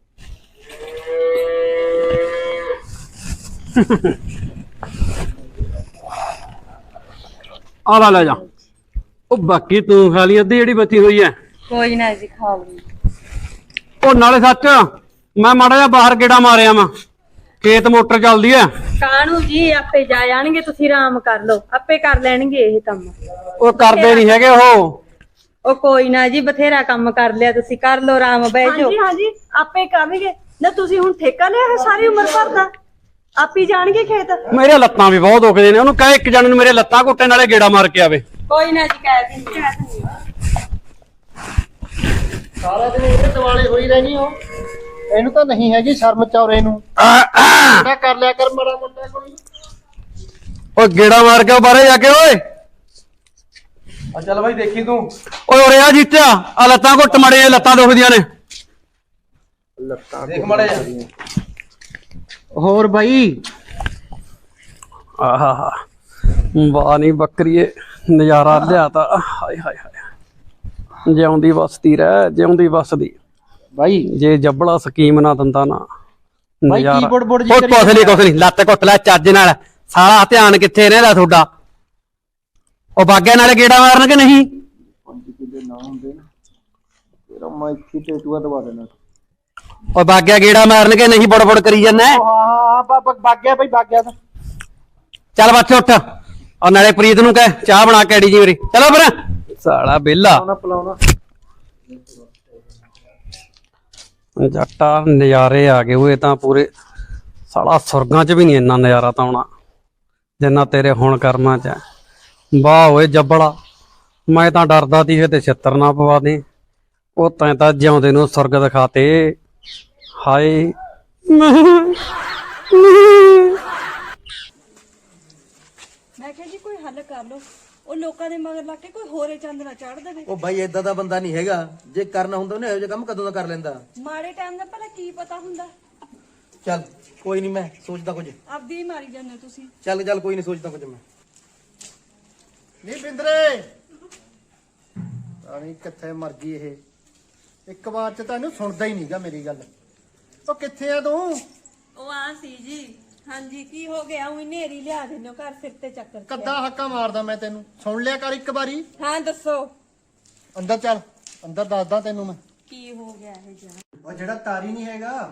[SPEAKER 7] आला ले जा ओ बाकी तू खा ली अद्धी जेहड़ी बची हुई है।
[SPEAKER 6] ਕੋਈ ਨਾ ਜੀ ਖਾ ਲਓ।
[SPEAKER 7] ओ नाले सच मैं माड़ा जा बाहर गेड़ा मारिया वा खेत मोटर चलदी है।
[SPEAKER 6] ਕਾਣੂ ਜੀ ਆਪੇ ਜਾ ਜਾਣਗੇ ਤੁਸੀਂ ਆਰਾਮ ਕਰ ਲਓ ਆਪੇ ਕਰ ਲੈਣਗੇ ਇਹ ਕੰਮ।
[SPEAKER 7] ओ करदे नहीं हैगे
[SPEAKER 6] ਉਹ ਕੋਈ ਨਾ ਜੀ ਬਥੇਰਾ ਕੰਮ ਕਰ ਲਿਆ ਤੁਸੀਂ ਕਰ ਲਓ ਆਰਾਮ ਬਹਿ ਜਾਓ। ਹਾਂਜੀ ਹਾਂਜੀ ਆਪੇ ਕਰਨਗੇ ਨਾ ਤੁਸੀਂ ਹੁਣ ਠੇਕਾ ਲਿਆ ਹੈ ਸਾਰੀ ਉਮਰ ਭਰ ਦਾ ਆਪੇ ਜਾਣਗੇ ਖੇਤ।
[SPEAKER 7] मेरे लत्तां भी बहुत दुखदे ने ओनू कह एक जने नूं मेरे लत्तां घुट्टे नाले गेड़ा मार के आवे।
[SPEAKER 6] ਕੋਈ ਨਾ ਜੀ ਕਹਿ ਦਿੰਦੀ
[SPEAKER 5] ਸਾਰਾ ਦਿਨ ਇਹਦੇ ਦਿਵਾਲੇ ਹੋਈ ਰਹਿਣੀ ਹੋ। ਇਹਨੂੰ ਤਾਂ ਨਹੀਂ ਹੈਗੀ ਸ਼ਰਮ ਚੌਰੇ ਨੂੰ। ਇਹਦਾ ਕਰ ਲਿਆ ਕਰ ਮਾੜਾ ਮੋਟਾ ਕੋਈ।
[SPEAKER 7] ओ गेड़ा मार के बाहर जाके ओए
[SPEAKER 8] ਆ ਚੱਲ ਬਾਈ ਦੇਖੀ ਤੂੰ।
[SPEAKER 7] ओए ओरे आ जीत्या आ लत्तां घुੱਟ मड़े लत्तां दुखदियां ने।
[SPEAKER 8] ਦੇਖ ਮਾੜਾ ਜਾ।
[SPEAKER 5] ਹੋਰ ਬਾਈ
[SPEAKER 7] आहा वाह नी बकरीए नजारा लियाता। हाय हाय हाय जिउंदी वसदी रह जिउंदी वसदी।
[SPEAKER 5] ਬਾਈ
[SPEAKER 7] जे जबड़ा स्कीम ना दंदा ना
[SPEAKER 5] ਬਾਈ ਕੀ ਬੁੜ ਜੀ ਕਰੀ
[SPEAKER 7] कुछ नहीं लत्त घुੱਟ ਲੈ ਚੱਜ ਨਾਲ सारा ध्यान कित्थे रहंदा ਤੁਹਾਡਾ। ਉਹ ਬਾਗਿਆਂ ਨਾਲੇ ਗੇੜਾ ਮਾਰਨ ਕਿ ਨਹੀਂ।
[SPEAKER 5] ਤੇਰਾ ਮੈਂ ਇੱਥੇ ਟੇਟੂਆ ਦਵਾ ਦੇਣਾ।
[SPEAKER 7] ਉਹ ਬਾਗਿਆ ਗੇੜਾ ਮਾਰਨ ਕੇ ਨਹੀਂ ਬੜਬੜ ਕਰੀ ਜਾਂਦਾ।
[SPEAKER 5] ਹਾਂ ਬਾਗਿਆ ਬਾਈ ਬਾਗਿਆ ਤਾਂ
[SPEAKER 7] ਚੱਲ ਬੱਚ ਉੱਠ ਔਰ ਨਾਲੇ ਪ੍ਰੀਤ ਨੂੰ ਕਹਿ ਚਾਹ ਬਣਾ ਕੇ ਆੜੀ ਜੀ ਮੇਰੀ। ਚਲੋ ਫਿਰ ਸਾਲਾ ਬੇਲਾ
[SPEAKER 5] ਪਲਾਉਣਾ
[SPEAKER 1] ਜੱਟਾ ਨਜ਼ਾਰੇ ਆ ਗਏ ਓਏ ਤਾਂ ਪੂਰੇ। ਸਾਲਾ ਸੁਰਗਾਂ 'ਚ ਵੀ ਨਹੀਂ ਇੰਨਾ ਨਜ਼ਾਰਾ ਤਾਂ ਆਉਣਾ ਜਿੰਨਾ ਤੇਰੇ ਹੁਣ ਕਰਮਾਂ 'ਚ ਹੈ। ਵਾਹ ਓਏ ਜੱਬੜਾ, ਮੈਂ ਤਾਂ ਡਰਦਾ ਤੀ ਕਿਤੇ ਛਿੱਤਰ ਨਾ ਪਵਾ ਦੇ। ਉਹ ਤੈਂ ਤਾਂ ਜਿਉਂਦੇ ਨੂੰ ਸੁਰਗ ਦਿਖਾਤੇ। ਹਾਏ
[SPEAKER 6] ਮੈਂ ਕਿਹਾ ਜੀ ਕੋਈ ਹੱਲ ਕਰ ਲਓ, ਉਹ ਲੋਕਾਂ ਦੇ ਮਗਰ ਲੱਗ ਕੇ ਕੋਈ ਹੋਰੇ ਚੰਦ ਨਾ ਚੜ ਦੇਵੇ।
[SPEAKER 8] ਉਹ ਬਾਈ ਏਦਾਂ ਦਾ ਬੰਦਾ ਨਹੀਂ ਹੈਗਾ, ਜੇ ਕਰਨਾ ਹੁੰਦਾ ਉਹਨੇ ਇਹੋ ਜਿਹਾ ਕੰਮ ਕਦੋਂ ਦਾ ਕਰ ਲੈਂਦਾ।
[SPEAKER 6] ਮਾੜੇ ਟਾਈਮ ਦਾ ਭਲਾ ਕੀ ਪਤਾ ਹੁੰਦਾ।
[SPEAKER 8] ਚੱਲ ਕੋਈ ਨਹੀਂ, ਮੈਂ ਸੋਚਦਾ ਕੁਝ।
[SPEAKER 6] ਆਪਦੀ ਹੀ ਮਾਰੀ ਜਾਂਦੇ ਹੋ ਤੁਸੀਂ।
[SPEAKER 8] ਚੱਲ ਕੋਈ ਨਹੀਂ, ਸੋਚਦਾ ਕੁਝ ਮੈਂ।
[SPEAKER 2] ਨਹੀਂ ਬਿੰਦਰੇ ਰਾਣੀ ਕਿੱਥੇ ਮਰ ਗਈ ਇਹ? ਇੱਕ ਵਾਰ ਚ ਤਾਂ ਇਹਨੂੰ ਸੁਣਦਾ ਹੀ ਨਹੀਂਗਾ ਮੇਰੀ ਗੱਲ। ਉਹ ਕਿੱਥੇ ਆ ਤੂੰ?
[SPEAKER 6] ਉਹ ਆ ਸੀ ਜੀ। ਹਾਂਜੀ ਕੀ ਹੋ ਗਿਆ? ਉਹ ਨੇਰੀ ਲਿਆ ਦਿੰਨੋ ਘਰ ਸਿਰ ਤੇ ਚੱਕਰ।
[SPEAKER 2] ਕੱਦਾ ਹੱਕਾ ਮਾਰਦਾ ਮੈਂ ਤੈਨੂੰ, ਸੁਣ ਲਿਆ ਕਰ ਇੱਕ ਵਾਰੀ।
[SPEAKER 6] ਹਾਂ ਦੱਸੋ
[SPEAKER 2] ਅੰਦਰ ਚੱਲ, ਅੰਦਰ ਦੱਸਦਾ ਤੈਨੂੰ ਮੈਂ
[SPEAKER 6] ਕੀ ਹੋ ਗਿਆ ਇਹ ਜਾ।
[SPEAKER 2] ਉਹ ਜਿਹੜਾ ਤਾਰੀ ਨਹੀਂ ਹੈਗਾ,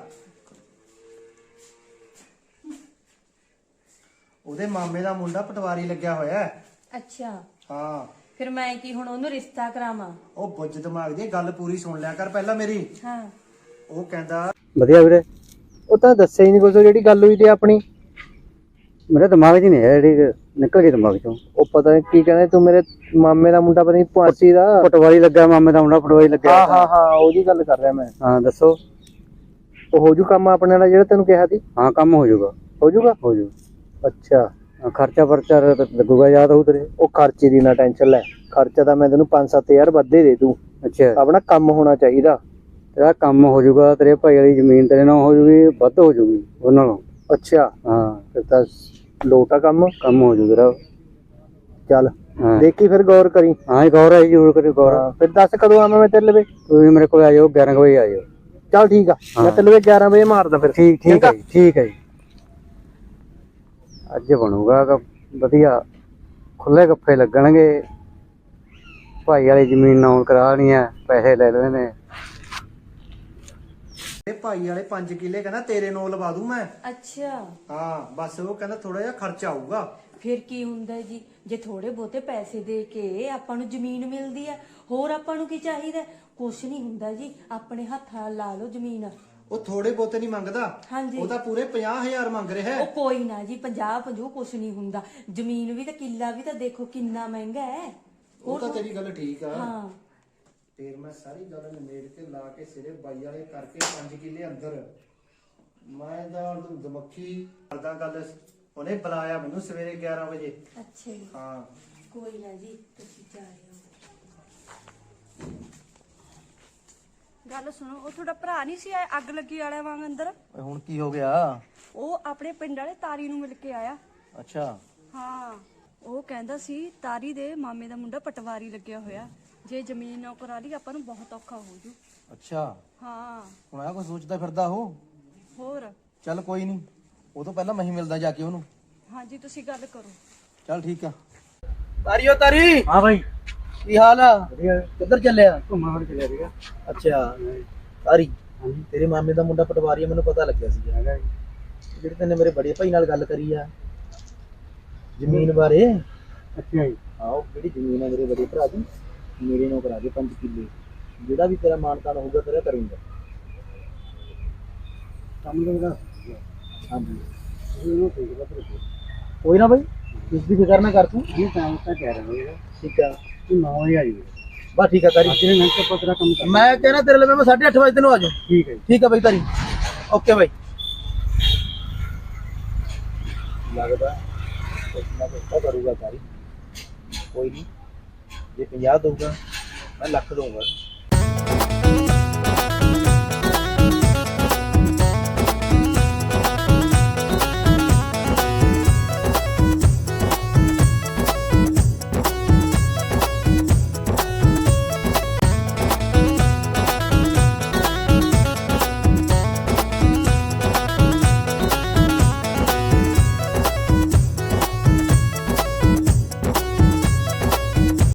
[SPEAKER 2] ਉਹਦੇ ਮਾਮੇ ਦਾ ਮੁੰਡਾ ਪਟਵਾਰੀ ਲੱਗਿਆ ਹੋਇਆ ਹੈ।
[SPEAKER 6] ਅੱਛਾ
[SPEAKER 2] ਹਾਂ
[SPEAKER 6] ਫਿਰ ਮੈਂ ਕੀ ਹੁਣ ਉਹਨੂੰ ਰਿਸ਼ਤਾ ਕਰਾਵਾਂ?
[SPEAKER 2] ਉਹ ਬੁੱਝ ਦਿਮਾਗ ਦੀ ਗੱਲ ਪੂਰੀ ਸੁਣ ਲਿਆ ਕਰ ਪਹਿਲਾਂ ਮੇਰੀ।
[SPEAKER 6] ਹਾਂ
[SPEAKER 2] ਉਹ ਕਹਿੰਦਾ
[SPEAKER 5] ਵਧੀਆ ਵੀਰੇ। ਉਹ ਤਾਂ ਦੱਸਿਆ ਹੀ ਨਹੀਂ ਕੁਝ, ਜਿਹੜੀ ਗੱਲ ਹੋਈ ਤੇ ਆਪਣੀ ਮੇਰੇ ਦਿਮਾਗ 'ਚ ਨਹੀਂ ਹੈ, ਜਿਹੜੀ ਨਿਕਲ ਗਈ ਦਿਮਾਗ 'ਚੋਂ। ਉਹ ਪਤਾ ਨਹੀਂ ਕੀ ਕਹਿੰਦੇ ਤੂੰ, ਮੇਰੇ ਮਾਮੇ ਦਾ ਮੁੰਡਾ ਪਤਾ ਨਹੀਂ ਪੁਆਸੀ ਦਾ ਪਟਵਾਰੀ ਲੱਗਾ, ਮਾਮੇ ਦਾ ਮੁੰਡਾ ਪਟਵਾਰੀ ਲੱਗਿਆ। ਹਾਂ ਉਹਦੀ ਗੱਲ ਕਰ ਰਿਹਾ ਮੈਂ। ਹਾਂ ਦੱਸੋ। ਉਹ ਹੋ ਜੂ ਕੰਮ ਆਪਣੇ ਨਾਲ ਜਿਹੜਾ ਤੈਨੂੰ ਕਿਹਾ ਸੀ? ਹਾਂ ਕੰਮ ਹੋ ਜਾਊਗਾ। ਹੋ ਜਾਊਗਾ? ਹੋ ਜਾਊ। ਅੱਛਾ ਖਰਚਾ ਪਰਚਾ ਲੱਗੂਗਾ ਯਾਦ ਹੋਊ ਤੇਰੇ? ਉਹ ਖਰਚੇ ਦੀ ਨਾ ਟੈਨਸ਼ਨ ਲੈ, ਖਰਚਾ ਤਾਂ ਮੈਂ ਤੈਨੂੰ 5-7 ਵੱਧੇ ਦੇ ਦੂੰ। ਅੱਛਾ ਆਪਣਾ ਕੰਮ ਹੋਣਾ ਚਾਹੀਦਾ। ਤੇਰਾ ਕੰਮ ਹੋ ਜਾਊਗਾ, ਤੇਰੇ ਭਾਈ ਵਾਲੀ ਜ਼ਮੀਨ ਤੇਰੇ ਨਾਲ ਹੋ ਜੂਗੀ, ਵੱਧ ਹੋ ਜੂਗੀ ਉਹਨਾਂ ਨਾਲੋਂ। ਅੱਛਾ ਹਾਂ ਫਿਰ ਤਾਂ ਲੋਟਾ ਕੰਮ ਹੋ ਜੂ ਤੇਰਾ। ਚੱਲ ਦੇਖੀ ਫਿਰ ਗੌਰ ਕਰੀ। ਹਾਂ ਗੌਰ ਹੈ ਜ਼ਰੂਰ ਕਰੀ ਗੌਰ। ਫਿਰ ਦੱਸ ਕਦੋਂ ਆਵਾਂ ਮੈਂ ਤੇਰੇ ਲਵੇ? ਤੁਸੀਂ ਮੇਰੇ ਕੋਲ ਆ ਜਾਓ 11 ਵਜੇ ਆ ਜਾਓ। ਚੱਲ ਠੀਕ ਆ, ਮੈਂ ਤੇਰੇ ਲਵੇ 11 ਵਜੇ ਮਾਰਦਾ ਫਿਰ। ਠੀਕ ਹੈ ਠੀਕ ਹੈ ਜੀ। ਅੱਜ ਬਣੂਗਾ ਵਧੀਆ, ਖੁੱਲੇ ਗੱਫੇ ਲੱਗਣਗੇ। ਭਾਈ ਵਾਲੀ ਜ਼ਮੀਨ ਨਾਮ ਕਰਾਣੀ ਹੈ, ਪੈਸੇ ਲੈ ਲੈਣੇ ਨੇ।
[SPEAKER 2] ਇਹ ਭਾਈ ਵਾਲੇ 5 ਕਿੱਲੇ ਕਹਿੰਦਾ ਤੇਰੇ ਨੂੰ ਲਵਾ ਦੂੰ ਮੈਂ।
[SPEAKER 6] ਅੱਛਾ
[SPEAKER 2] ਹਾਂ ਬਸ ਉਹ ਕਹਿੰਦਾ ਥੋੜਾ ਜਿਹਾ ਖਰਚਾ ਆਊਗਾ।
[SPEAKER 6] ਫਿਰ ਕੀ ਹੁੰਦਾ ਜੀ, ਜੇ ਥੋੜੇ ਬਹੁਤੇ ਪੈਸੇ ਦੇ ਕੇ ਆਪਾਂ ਨੂੰ ਜ਼ਮੀਨ ਮਿਲਦੀ ਹੈ, ਹੋਰ ਆਪਾਂ ਨੂੰ ਕੀ ਚਾਹੀਦਾ? ਕੁਛ ਨਹੀਂ ਹੁੰਦਾ ਜੀ, ਆਪਣੇ ਹੱਥਾਂ ਲਾ ਲਓ ਜ਼ਮੀਨ।
[SPEAKER 2] ਉਹ ਥੋੜੇ ਬਹੁਤੇ ਨਹੀਂ ਮੰਗਦਾ,
[SPEAKER 6] ਹਾਂਜੀ
[SPEAKER 2] ਉਹ ਤਾਂ ਪੂਰੇ 50,000 ਮੰਗ ਰਿਹਾ ਹੈ।
[SPEAKER 6] ਉਹ ਕੋਈ ਨਾ ਜੀ, 50 ਕੁਛ ਨਹੀਂ ਹੁੰਦਾ। ਜ਼ਮੀਨ ਵੀ ਤਾਂ ਕਿੱਲਾ ਵੀ ਤਾਂ ਦੇਖੋ ਕਿੰਨਾ ਮਹਿੰਗਾ ਹੈ।
[SPEAKER 2] ਉਹ ਤਾਂ ਤੇਰੀ ਗੱਲ ਠੀਕ ਆ।
[SPEAKER 6] ਹਾਂ
[SPEAKER 2] ਫਿਰ ਮੈਂ ਸਾਰੀ ਗੱਲ ਨਿਮੇੜ ਕੇ ਲਾ ਕੇ ਸਿਰੇ ਬਾਈ ਵਾਲੇ ਕਰਕੇ 5 ਕਿੱਲੇ ਅੰਦਰ ਮੈਂ ਤਾਂ ਦਮੱਖੀ ਕਰਦਾ ਗੱਲ। ਉਹਨੇ ਬੁਲਾਇਆ ਮੈਨੂੰ ਸਵੇਰੇ 11 ਵਜੇ।
[SPEAKER 6] ਅੱਛਾ ਜੀ
[SPEAKER 2] ਹਾਂ
[SPEAKER 6] ਕੋਈ ਨਾ ਜੀ, ਤੁਸੀਂ ਜਾ ਰਹੇ ਹੋ। ਗੱਲ ਸੁਣੋ, ਉਹ ਤੁਹਾਡਾ ਭਰਾ ਨਹੀਂ ਸੀ ਆਇਆ ਅੱਗ ਲੱਗੀ ਵਾਲਿਆਂ ਵਾਂਗ ਅੰਦਰ?
[SPEAKER 8] ਹੁਣ ਕੀ ਹੋ ਗਿਆ?
[SPEAKER 6] ਉਹ ਆਪਣੇ ਪਿੰਡ ਵਾਲੇ ਤਾਰੀ ਨੂੰ ਮਿਲ ਕੇ ਆਇਆ।
[SPEAKER 8] ਅੱਛਾ
[SPEAKER 6] ਹਾਂ ਉਹ ਕਹਿੰਦਾ ਸੀ ਤਾਰੀ ਦੇ ਮਾਮੇ ਦਾ ਮੁੰਡਾ ਪਟਵਾਰੀ ਲੱਗਿਆ ਹੋਇਆ, ਜੇ ਜ਼ਮੀਨ ਨਾ ਕਰਾ ਲਈ ਆਪਾਂ ਨੂੰ ਬਹੁਤ ਔਖਾ ਹੋ ਜੂ।
[SPEAKER 8] ਅੱਛਾ
[SPEAKER 6] ਹਾਂ
[SPEAKER 8] ਹੁਣ ਆ ਕੋਈ ਸੋਚਦਾ ਫਿਰਦਾ ਉਹ।
[SPEAKER 6] ਹੋਰ
[SPEAKER 8] ਚੱਲ ਕੋਈ ਨਹੀਂ, ਉਹ ਤੋਂ ਪਹਿਲਾਂ ਮੈਂ ਹੀ ਮਿਲਦਾ ਜਾ ਕੇ ਉਹਨੂੰ।
[SPEAKER 6] ਹਾਂਜੀ ਤੁਸੀਂ ਗੱਲ ਕਰੋ।
[SPEAKER 8] ਚੱਲ ਠੀਕ ਆ। ਤਾਰੀਓ ਤਾਰੀ।
[SPEAKER 5] ਹਾਂ ਭਾਈ
[SPEAKER 8] ਕੀ ਹਾਲ ਆ? ਕਿੱਧਰ ਚੱਲਿਆ?
[SPEAKER 5] ਘੁੰਮਣ ਫਿਰ ਚੱਲਿਆ ਸੀਗਾ।
[SPEAKER 8] ਅੱਛਾ ਤਾਰੀ, ਤੇਰੇ ਮਾਮੇ ਦਾ ਮੁੰਡਾ ਪਟਵਾਰੀ ਆ, ਮੈਨੂੰ ਪਤਾ ਲੱਗਿਆ ਸੀ। ਜਿਹੜੇ ਤੈਨੇ ਮੇਰੇ ਬੜੇ ਭਾਈ ਨਾਲ ਗੱਲ ਕਰੀ ਆ ਜ਼ਮੀਨ ਬਾਰੇ।
[SPEAKER 5] ਅੱਛਾ ਜੀ।
[SPEAKER 8] ਆਓ ਜਿਹੜੀ ਜ਼ਮੀਨ ਆ ਮੇਰੇ ਬੜੇ ਭਰਾ ਦੀ, ਮੇਰੇ ਨੂੰ ਕਰਾ ਦੇ 5 ਕਿੱਲੇ। ਜਿਹੜਾ ਵੀ ਤੇਰਾ ਮਾਨਤਾਨ ਹੋਊਗਾ ਤੇਰਾ ਕਰੂੰਗਾ।
[SPEAKER 5] ਕੰਮ ਕਰਦਾ।
[SPEAKER 8] ਹਾਂਜੀ
[SPEAKER 5] ਇਹਨੂੰ ਠੀਕ ਹੈ ਫਿਰ।
[SPEAKER 8] ਕੋਈ ਨਾ ਬਾਈ, ਇਸ ਦੀ ਫਿਕਰ ਨਾ ਕਰ ਤੂੰ।
[SPEAKER 5] ਇਹ ਕੰਮ ਤਾਂ ਕਹਿ ਰਿਹਾ ਹਾਂ।
[SPEAKER 8] ਠੀਕ ਆ,
[SPEAKER 5] ਤੂੰ 9 ਵਜੇ ਆ ਜੀ।
[SPEAKER 8] ਬਸ ਠੀਕ ਆ ਤਾਰੀ।
[SPEAKER 5] ਤੇਰੇ ਨਾਲ ਤਾਂ ਪਤਰਾ ਕੰਮ ਕਰ।
[SPEAKER 8] ਮੈਂ ਕਹਿਣਾ ਤੇਰੇ ਲਈ ਮੈਂ 8:30 ਵਜੇ ਤੈਨੂੰ ਆ ਜਾਊਂ।
[SPEAKER 5] ਠੀਕ ਹੈ
[SPEAKER 8] ਠੀਕ ਆ ਬਾਈ ਤਾਰੀ, ਓਕੇ ਬਾਈ। ਲੱਗਦਾ ਕੁਛ ਨਾ ਕੁਛ ਤਾਂ ਕਰੂਗਾ ਤਾਰੀ। ਕੋਈ ਨਹੀਂ, ਜੇ 50 ਦਊਗਾ ਮੈਂ ਲੱਖ ਦਊਗਾ।